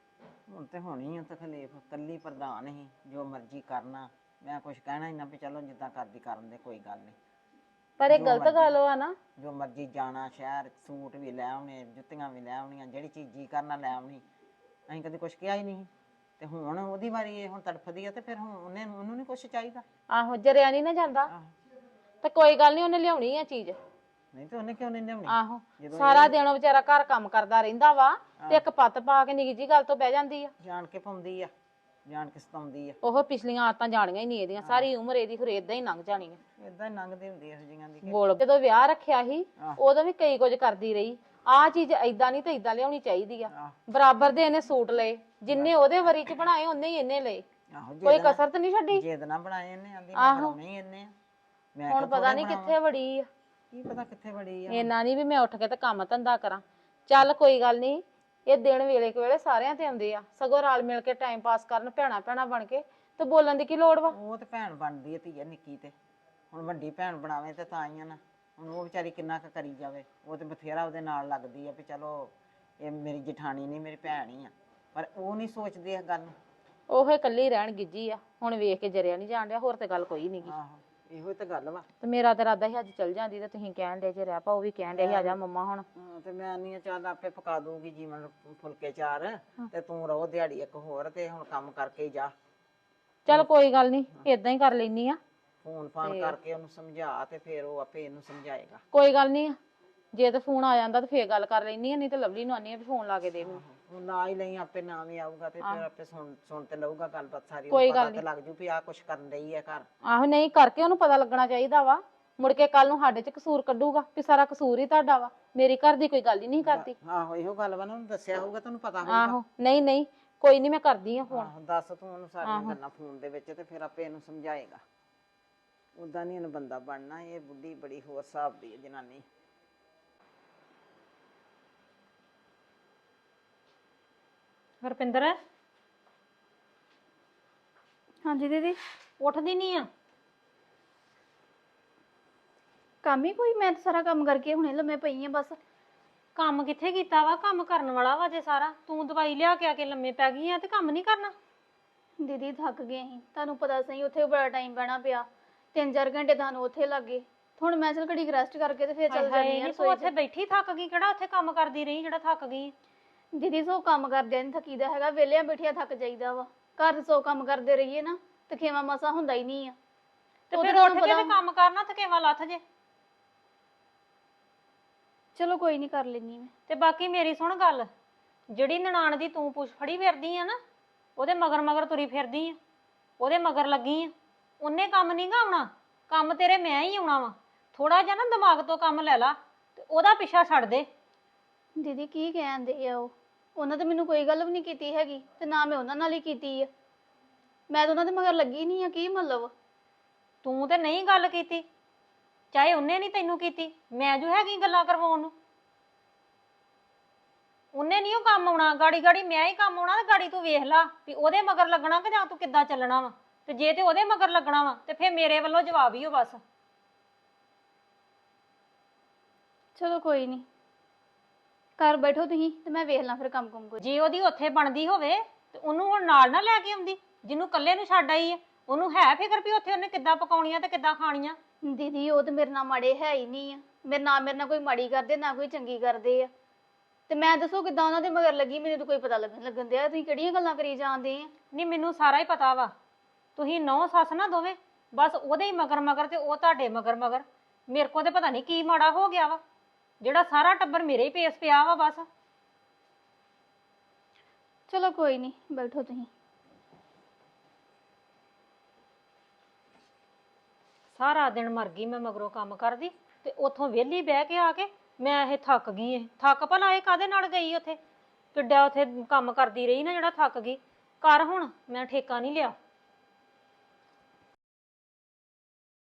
[SPEAKER 2] ਹੁਣ ਤੇ ਹੋਣੀ ਆ ਤਕਲੀਫ, ਕੱਲੀ ਪ੍ਰਧਾਨ ਹੀ ਜੋ ਮਰਜ਼ੀ ਕਰਨਾ, ਮੈਂ ਕੁਝ ਕਹਿਣਾ ਹੀ ਨਾ ਵੀ ਚਲੋ ਜਿੱਦਾਂ ਕਰਦੀ ਕਰਨ ਦੇ, ਕੋਈ ਗੱਲ ਨਹੀਂ।
[SPEAKER 7] ਪਰ ਇਹ
[SPEAKER 2] ਜੋ
[SPEAKER 7] ਗਲਤ
[SPEAKER 2] ਮਰਜ਼ੀ।
[SPEAKER 7] ਗੱਲ ਵਾ ਨਾ।
[SPEAKER 2] ਜੋ ਮਰਜ਼ੀ ਜਾਣਾ ਸ਼ਹਿਰ, ਸੂਟ ਵੀ ਲੈ ਆਉਣੇ, ਜੁੱਤੀਆਂ ਵੀ ਲੈ ਆਉਣੀਆਂ, ਜਿਹੜੀ ਚੀਜ਼ ਜੀ ਕਰਨਾ ਲੈ ਆਉਣੀ, ਅਸੀਂ ਕਦੇ ਕੁਝ ਕਿਹਾ ਹੀ ਨਹੀਂ। ਤੇ ਹੁਣ ਉਹਦੀ ਵਾਰੀ ਇਹ ਹੁਣ ਤੜਫਦੀ ਆ ਤੇ ਫਿਰ ਹੁਣ ਉਹਨੇ ਉਹਨੂੰ ਨਹੀਂ ਕੁਝ ਚਾਹੀਦਾ।
[SPEAKER 7] ਆਹੋ ਜਰਿਆ ਨਹੀਂ ਨਾ ਜਾਂਦਾ
[SPEAKER 2] ਆਹੋ।
[SPEAKER 7] ਤੇ ਕੋਈ ਗੱਲ ਨਹੀਂ, ਉਹਨੇ ਲਿਆਉਣੀ ਆ ਚੀਜ਼।
[SPEAKER 2] ਨਹੀਂ ਤੇ ਉਹਨੇ ਕਿਉਂ ਨਹੀਂ ਲਿਆਉਣੀ?
[SPEAKER 7] ਆਹੋ
[SPEAKER 2] ਜਦੋਂ
[SPEAKER 7] ਸਾਰਾ
[SPEAKER 2] ਇਹ
[SPEAKER 7] ਦਿਨ ਵਿਚਾਰਾ ਘਰ ਕੰਮ ਕਰਦਾ ਰਹਿੰਦਾ ਵਾ ਤੇ ਇੱਕ ਪੱਤ ਪਾ ਕੇ ਨਿੱਕੀ ਜੀ ਗੱਲ ਤੋਂ ਬਹਿ ਜਾਂਦੀ ਆ।
[SPEAKER 2] ਜਾਣ ਕੇ ਪਾਉਂਦੀ ਆ, ਜਾਣ ਕੇ ਸਤਾਉਂਦੀ ਆ।
[SPEAKER 7] ਉਹ ਪਿਛਲੀਆਂ ਆਦਤਾਂ ਜਾਣੀਆਂ ਹੀ ਨਹੀਂ ਇਹਦੀਆਂ, ਸਾਰੀ ਉਮਰ ਇਹਦੀ ਫਿਰ ਏਦਾਂ ਹੀ ਲੰਘ ਜਾਣੀ ਆ।
[SPEAKER 2] ਏਦਾਂ ਹੀ ਲੰਘਦੀ ਹੁੰਦੀ ਇਹੋ ਜਿਹੀਆਂ ਦੀ।
[SPEAKER 7] ਬੋਲ ਜਦੋਂ ਵਿਆਹ ਰੱਖਿਆ ਸੀ
[SPEAKER 2] ਆਹ।
[SPEAKER 7] ਉਦੋਂ ਵੀ ਕਈ ਕੁਝ ਕਰਦੀ ਰਹੀ। ਆਹ ਚੀਜ਼ ਏਦਾਂ ਨਹੀਂ ਤੇ ਏਦਾਂ ਲਿਆਉਣੀ ਚਾਹੀਦੀ ਆ।
[SPEAKER 2] ਆਹ।
[SPEAKER 7] ਬਰਾਬਰ ਦੇ ਇਹਨੇ ਸੂਟ ਲਏ, ਜਿੰਨੇ ਉਹਦੇ ਵਰੀ ਚ ਬਣਾਏ ਉਹਨੇ ਹੀ ਇਹਨੇ ਲਏ,
[SPEAKER 2] ਆਹੋ
[SPEAKER 7] ਕੋਈ
[SPEAKER 2] ਜਿੱਦ
[SPEAKER 7] ਕਸਰ ਤਾਂ ਨਹੀਂ ਛੱਡੀ।
[SPEAKER 2] ਜਿੱਦ ਨਾ ਬਣਾਏ ਇਹਨੇ, ਆਂਦੀ
[SPEAKER 7] ਆਹੋ।
[SPEAKER 2] ਮੈਂ ਬਣਾਉਣੇ ਹੀ ਇਹਨੇ ਆ। ਮੈਂ
[SPEAKER 7] ਹੁਣ
[SPEAKER 2] ਕਿਹਾ
[SPEAKER 7] ਪਤਾ
[SPEAKER 2] ਥੋੜ੍ਹੇ
[SPEAKER 7] ਨਹੀਂ
[SPEAKER 2] ਬਣਾਵਾਂ।
[SPEAKER 7] ਕਿੱਥੇ ਵੜੀ ਆ।
[SPEAKER 2] ਕੀ ਪਤਾ ਕਿੱਥੇ ਬੜੀ ਆ।
[SPEAKER 7] ਇੰਨਾ ਨਹੀਂ ਵੀ ਮੈਂ ਉੱਠ ਕੇ ਤੇ ਕੰਮ ਧੰਦਾ ਕਰਾਂ। ਚੱਲ ਕੋਈ ਗੱਲ ਨਹੀਂ, ਇਹ ਦਿਨ ਵੇਲੇ ਕੁ ਵੇਲੇ ਸਾਰਿਆਂ ਤੇ ਆਉਂਦੇ ਆ, ਸਗੋਂ ਰਲ ਮਿਲ ਕੇ ਟਾਈਮ ਪਾਸ ਕਰਨ ਭੈਣਾ ਭੈਣਾ ਬਣ ਕੇ, ਤੇ ਬੋਲਣ ਦੀ ਕੀ ਲੋੜ ਵਾ।
[SPEAKER 2] ਉਹ ਤੇ ਭੈਣ ਬਣਦੀ ਹੈ ਧੀਆ ਨਿੱਕੀ ਤੇ, ਹੁਣ ਵੱਡੀ ਭੈਣ ਬਣਾਵੇ ਤੇ ਤਾਂ ਹੀ ਆ ਨਾ। ਹੁਣ ਉਹ ਵਿਚਾਰੀ ਕਿੰਨਾ ਕੁ ਕਰੀ ਜਾਵੇ, ਉਹ ਤੇ ਬਥੇਰਾ ਉਹਦੇ ਨਾਲ ਲੱਗਦੀ ਆ ਵੀ ਚਲੋ ਇਹ ਮੇਰੀ ਜਠਾਣੀ ਨਹੀਂ ਮੇਰੀ ਭੈਣ ਹੀ ਆ, ਪਰ ਉਹ ਨਹੀਂ ਸੋਚਦੀ ਇਸ ਗੱਲ ਨੂੰ।
[SPEAKER 7] ਉਹ ਇਕੱਲੀ ਰਹਿਣ ਗਿੱਜੀ ਆ, ਹੁਣ ਵੇਖ ਕੇ ਜਰਿਆ ਨਹੀਂ ਜਾਣ ਡਿਆ, ਹੋਰ ਤੇ ਗੱਲ ਕੋਈ ਨਹੀਂ ਗੀ।
[SPEAKER 2] ਆਹੋ ਇਹੋ ਤਾਂ ਗੱਲ ਵਾ।
[SPEAKER 7] ਤੇ ਮੇਰਾ ਤੇ ਇਰਾਦਾ ਸੀ ਅੱਜ ਚੱਲ ਜਾਂਦੀ, ਤੇ ਤੁਸੀਂ ਕਹਿਣ ਡੇ ਜੇ ਰਹਿ ਪਾ, ਉਹ ਵੀ ਕਹਿਣ ਡੇ ਸੀ ਆ ਜਾ ਮੰਮਾ ਹੁਣ।
[SPEAKER 2] ਹਾਂ, ਤੇ ਮੈਂ ਨਹੀਂ ਚੱਲ ਆਪੇ ਪਕਾ ਦੂੰਗੀ ਜੀਵਨ ਫੁਲਕੇ ਚਾਰ, ਤੇ ਤੂੰ ਰਹੋ ਦਿਹਾੜੀ ਇੱਕ ਹੋਰ, ਤੇ ਹੁਣ ਕੰਮ ਕਰਕੇ ਹੀ ਜਾ।
[SPEAKER 7] ਚੱਲ ਕੋਈ ਗੱਲ ਨਹੀਂ, ਏਦਾਂ ਹੀ ਕਰ ਲੈਨੀ ਆ।
[SPEAKER 2] ਫੋਨ ਫਾਨ ਕਰਕੇ ਉਹਨੂੰ ਸਮਝਾ, ਤੇ ਫਿਰ ਉਹ ਆਪੇ ਇਹਨੂੰ ਸਮਝਾਏਗਾ।
[SPEAKER 7] ਕੋਈ ਗੱਲ ਨਹੀਂ, ਜੇ ਤੇ ਫੋਨ ਆ ਜਾਂਦਾ ਤੇ ਫੇਰ ਗੱਲ ਕਰ ਲੈਨੀ ਆ, ਨਹੀਂ ਤੇ ਲਵਲੀ ਨੂੰ ਆਨੀ ਆ ਵੀ ਫੋਨ ਲਾ ਕੇ ਦੇ ਮੈਨੂੰ।
[SPEAKER 2] ਹੁਣ ਨਾ ਹੀ ਲਈ ਆਪੇ ਨਾ ਵੀ ਆਊਗਾ ਤੇ ਫਿਰ ਆਪੇ ਸੁਣ ਸੁਣ ਤੇ ਲਊਗਾ ਗੱਲਬਾਤ ਸਾਰੀ।
[SPEAKER 7] ਕੋਈ
[SPEAKER 2] ਉਹਨੂੰ
[SPEAKER 7] ਗੱਲ
[SPEAKER 2] ਪਤਾ ਤੇ ਲੱਗ ਜੂ ਵੀ ਆਹ ਕੁਛ ਕਰਨ ਰਹੀ ਹੈ ਘਰ।
[SPEAKER 7] ਆਹੋ ਨਹੀਂ ਕਰਕੇ ਉਹਨੂੰ ਪਤਾ ਲੱਗਣਾ ਚਾਹੀਦਾ ਵਾ, ਮੁੜ ਕੇ ਕੱਲ ਨੂੰ ਸਾਡੇ ਚ ਕਸੂਰ ਕੱਢੂਗਾ ਵੀ ਸਾਰਾ ਕਸੂਰ ਹੀ ਤੁਹਾਡਾ ਵਾ, ਮੇਰੀ ਘਰ ਦੀ ਕੋਈ ਗੱਲ ਹੀ ਨਹੀਂ ਕਰਦੀ।
[SPEAKER 2] ਆਹੋ ਇਹੋ ਗੱਲ ਵਾ ਨਾ, ਉਹਨੂੰ ਦੱਸਿਆ ਹੋਊਗਾ, ਤੁਹਾਨੂੰ ਪਤਾ ਹੋਊਗਾ।
[SPEAKER 7] ਆਹੋ ਨਹੀਂ ਨਹੀਂ ਕੋਈ ਨਹੀਂ, ਮੈਂ ਕਰਦੀ ਆ ਫੋਨ।
[SPEAKER 2] ਆਹੋ ਦੱਸ ਤੂੰ ਉਹਨੂੰ ਸਾਰੀਆਂ ਗੱਲਾਂ ਫੋਨ ਦੇ ਵਿੱਚ, ਤੇ ਫਿਰ ਆਪੇ ਇਹਨੂੰ ਸਮਝਾਏਗਾ। ਉਦਾਂ ਨਹੀਂ ਇਹਨੂੰ ਬੰਦਾ ਬਣਨਾ, ਇਹ ਬੁੱਢੀ ਬੜੀ ਹੋਰ ਹਿਸਾਬ ਦੀ ਹੈ ਜਨਾਨੀ।
[SPEAKER 4] ਹਰਪਿੰਦਰ
[SPEAKER 3] ਹਾਂਜੀ ਦੀਦੀ।
[SPEAKER 4] ਉੱਠਦੀ ਨਹੀਂ ਆ?
[SPEAKER 3] ਕੰਮ ਹੀ ਕੋਈ? ਮੈਂ ਤਾਂ ਸਾਰਾ ਕੰਮ ਕਰਕੇ ਹੁਣੇ ਲੰਮੇ ਪਈ ਆ ਬਸ।
[SPEAKER 4] ਕੰਮ ਕਿੱਥੇ ਕੀਤਾ ਵਾ? ਕੰਮ ਕਰਨ ਵਾਲਾ ਵਾ ਜੇ ਸਾਰਾ। ਤੂੰ ਦਵਾਈ ਲਿਆ ਕੇ ਆ ਕੇ ਲੰਮੇ ਪੈ ਗਈ ਆ ਤੇ ਕੰਮ ਨਹੀਂ ਕਰਨਾ?
[SPEAKER 3] ਦੀਦੀ ਥੱਕ ਗਏ ਸੀ, ਤੁਹਾਨੂੰ ਪਤਾ ਸਹੀ, ਉੱਥੇ ਬੜਾ ਟਾਈਮ ਬਹਿਣਾ ਪਿਆ, ਤਿੰਨ ਚਾਰ ਘੰਟੇ ਤੁਹਾਨੂੰ ਉੱਥੇ ਲੱਗ ਗਏ। ਹੁਣ ਮੈਂ ਚਲ ਘੜੀ ਰੈਸਟ ਕਰਕੇ ਤੇ ਫਿਰ ਚੱਲ ਜਾਂਦੀ ਆ
[SPEAKER 4] ਤੂੰ
[SPEAKER 3] ਰਸੋਈ
[SPEAKER 4] ਉੱਥੇ
[SPEAKER 3] 'ਚ।
[SPEAKER 4] ਬੈਠੀ ਥੱਕ ਗਈ, ਕਿਹੜਾ ਉੱਥੇ ਕੰਮ ਕਰਦੀ ਰਹੀ ਜਿਹੜਾ ਥੱਕ ਗਈ?
[SPEAKER 3] ਦੀਦੀ ਸੋ ਕੰਮ ਕਰਦਿਆਂ ਨਹੀਂ ਥੱਕੀਦਾ ਹੈਗਾ, ਵਿਹਲਿਆਂ ਬੈਠਿਆ ਥੱਕ ਜਾਈਦਾ ਵਾ। ਘਰ ਦੇ ਸੌ ਕੰਮ ਕਰਦੇ ਰਹੀਏ ਨਾ ਤੇ ਖੇਵਾ ਮਸਾ ਹੁੰਦਾ ਹੀ ਨਹੀਂ ਆ।
[SPEAKER 4] ਤੇ
[SPEAKER 3] ਉੱਧਰ
[SPEAKER 4] ਫਿਰ ਉੱਠ
[SPEAKER 3] ਤੁਹਾਨੂੰ
[SPEAKER 4] ਕੇ ਤੇ
[SPEAKER 3] ਪਤਾ-
[SPEAKER 4] ਕੰਮ ਕਰਨਾ, ਥਕੇਵਾ ਲੱਥ ਜੇ।
[SPEAKER 3] ਚਲੋ ਕੋਈ ਨਹੀਂ, ਕਰ ਲੈਣੀ ਮੈਂ।
[SPEAKER 4] ਤੇ ਬਾਕੀ ਮੇਰੀ ਸੁਣ ਗੱਲ, ਜਿਹੜੀ ਨਨਾਣ ਦੀ ਤੂੰ ਪੁੱਛ ਫੜੀ ਫਿਰਦੀ ਆ ਨਾ, ਉਹਦੇ ਮਗਰ ਮਗਰ ਤੁਰੀ ਫਿਰਦੀ ਆ, ਉਹਦੇ ਮਗਰ ਲੱਗੀ ਆ। ਉਹਨੇ ਕੰਮ ਨਹੀਂ ਗਾ ਆਉਣਾ, ਕੰਮ ਤੇਰੇ ਮੈਂ ਹੀ ਆਉਣਾ ਵਾ। ਥੋੜਾ ਜਿਹਾ ਨਾ ਦਿਮਾਗ ਤੋਂ ਕੰਮ ਲੈ ਲਾ ਤੇ ਉਹਦਾ ਪਿੱਛਾ ਛੱਡ ਦੇ।
[SPEAKER 3] ਦੀਦੀ ਕੀ ਕਹਿੰਦੇ ਆ ਉਹ? ਉਹਨਾਂ ਤਾਂ ਮੈਨੂੰ ਕੋਈ ਗੱਲ ਵੀ ਨਹੀਂ ਕੀਤੀ ਹੈਗੀ, ਤੇ ਨਾ ਮੈਂ ਉਹਨਾਂ ਨਾਲ ਹੀ ਕੀਤੀ ਆ। ਮੈਂ ਤਾਂ ਉਹਨਾਂ ਦੇ ਮਗਰ ਲੱਗੀ ਨਹੀਂ ਆ, ਕੀ ਮਤਲਬ?
[SPEAKER 4] ਤੂੰ ਤੇ ਨਹੀਂ ਗੱਲ ਕੀਤੀ, ਚਾਹੇ ਉਹਨੇ ਨਹੀਂ ਤੈਨੂੰ ਕੀਤੀ, ਮੈਂ ਜੋ ਹੈਗੀ ਗੱਲਾਂ ਕਰਵਾਉਣ ਨੂੰ। ਉਹਨੇ ਨਹੀਂ ਉਹ ਕੰਮ ਆਉਣਾ, ਗਾੜੀ ਗਾੜੀ ਮੈਂ ਹੀ ਕੰਮ ਆਉਣਾ। ਤੇ ਗਾੜੀ ਤੂੰ ਵੇਖ ਲਾ ਵੀ ਉਹਦੇ ਮਗਰ ਲੱਗਣਾ ਕਿ ਜਾਂ ਤੂੰ ਕਿੱਦਾਂ ਚੱਲਣਾ ਵਾ। ਤੇ ਜੇ ਤੇ ਉਹਦੇ ਮਗਰ ਲੱਗਣਾ ਵਾ ਤੇ ਫੇਰ ਮੇਰੇ ਵੱਲੋਂ ਜਵਾਬ ਹੀ ਹੋ ਬਸ।
[SPEAKER 3] ਚਲੋ ਕੋਈ ਨਹੀਂ, ਘਰ ਬੈਠੋ ਤੁਸੀਂ ਤੇ ਮੈਂ ਵੇਖ ਲਾਂ ਫਿਰ ਕੰਮ ਕੁਮ ਕੋਈ।
[SPEAKER 4] ਜੇ ਉਹਦੀ ਉੱਥੇ ਬਣਦੀ ਹੋਵੇ ਤੇ ਉਹਨੂੰ ਹੁਣ ਨਾਲ ਨਾ ਲੈ ਕੇ ਆਉਂਦੀ, ਜਿਹਨੂੰ ਇਕੱਲੇ ਨੂੰ ਛੱਡ ਆਈ ਹੈ। ਉਹਨੂੰ ਹੈ ਫਿਕਰ ਵੀ ਉੱਥੇ ਉਹਨੇ ਕਿੱਦਾਂ ਪਕਾਉਣੀਆਂ ਤੇ ਕਿੱਦਾਂ ਖਾਣੀਆਂ।
[SPEAKER 3] ਦੀਦੀ ਉਹ ਤੇ ਮੇਰੇ ਨਾਲ ਮਾੜੇ ਹੈ ਹੀ ਨਹੀਂ ਆ, ਮੇਰੇ ਨਾਲ ਮੇਰੇ ਨਾਲ ਕੋਈ ਮਾੜੀ ਕਰਦੇ ਨਾ ਕੋਈ ਚੰਗੀ ਕਰਦੇ ਆ। ਤੇ ਮੈਂ ਦੱਸੋ ਕਿੱਦਾਂ ਉਹਨਾਂ ਦੇ ਮਗਰ ਲੱਗੀ, ਮੈਨੂੰ ਤਾਂ ਕੋਈ ਪਤਾ ਲੱਗਣ ਲੱਗਣ ਦਿਆ। ਤੁਸੀਂ ਕਿਹੜੀਆਂ ਗੱਲਾਂ ਕਰੀ ਜਾਂਦੇ ਆ?
[SPEAKER 4] ਨਹੀਂ ਮੈਨੂੰ ਸਾਰਾ ਹੀ ਪਤਾ ਵਾ, ਤੁਸੀਂ ਨੌ ਸੱਸ ਨਾ ਦੋਵੇਂ, ਬਸ ਉਹਦੇ ਹੀ ਮਗਰ ਮਗਰ ਤੇ ਉਹ ਤੁਹਾਡੇ ਮਗਰ ਮਗਰ। ਮੇਰੇ ਕੋਲ ਤੇ ਪਤਾ ਨਹੀਂ ਕੀ ਮਾੜਾ ਹੋ ਗਿਆ ਵਾ, ਜਿਹੜਾ ਸਾਰਾ ਟੱਬਰ ਮੇਰੇ ਹੀ ਪੇਸ ਪਿਆ ਵਾ ਬਸ।
[SPEAKER 3] ਚਲੋ ਕੋਈ ਨਹੀਂ, ਬੈਠੋ ਤੁਸੀਂ।
[SPEAKER 4] ਸਾਰਾ ਦਿਨ ਮਰ ਗਈ ਮੈਂ ਮਗਰੋਂ ਕੰਮ ਕਰਦੀ, ਤੇ ਉੱਥੋਂ ਵਿਹਲੀ ਬਹਿ ਕੇ ਆ ਕੇ ਮੈਂ ਇਹ ਥੱਕ ਗਈ। ਇਹ ਥੱਕ ਭਲਾ ਇਹ ਕਾਹਦੇ ਨਾਲ ਗਈ ਉੱਥੇ? ਕਿੱਡਾ ਉੱਥੇ ਕੰਮ ਕਰਦੀ ਰਹੀ ਨਾ ਜਿਹੜਾ ਥੱਕ ਗਈ। ਕਰ ਹੁਣ, ਮੈਂ ਠੇਕਾ ਨਹੀਂ ਲਿਆ।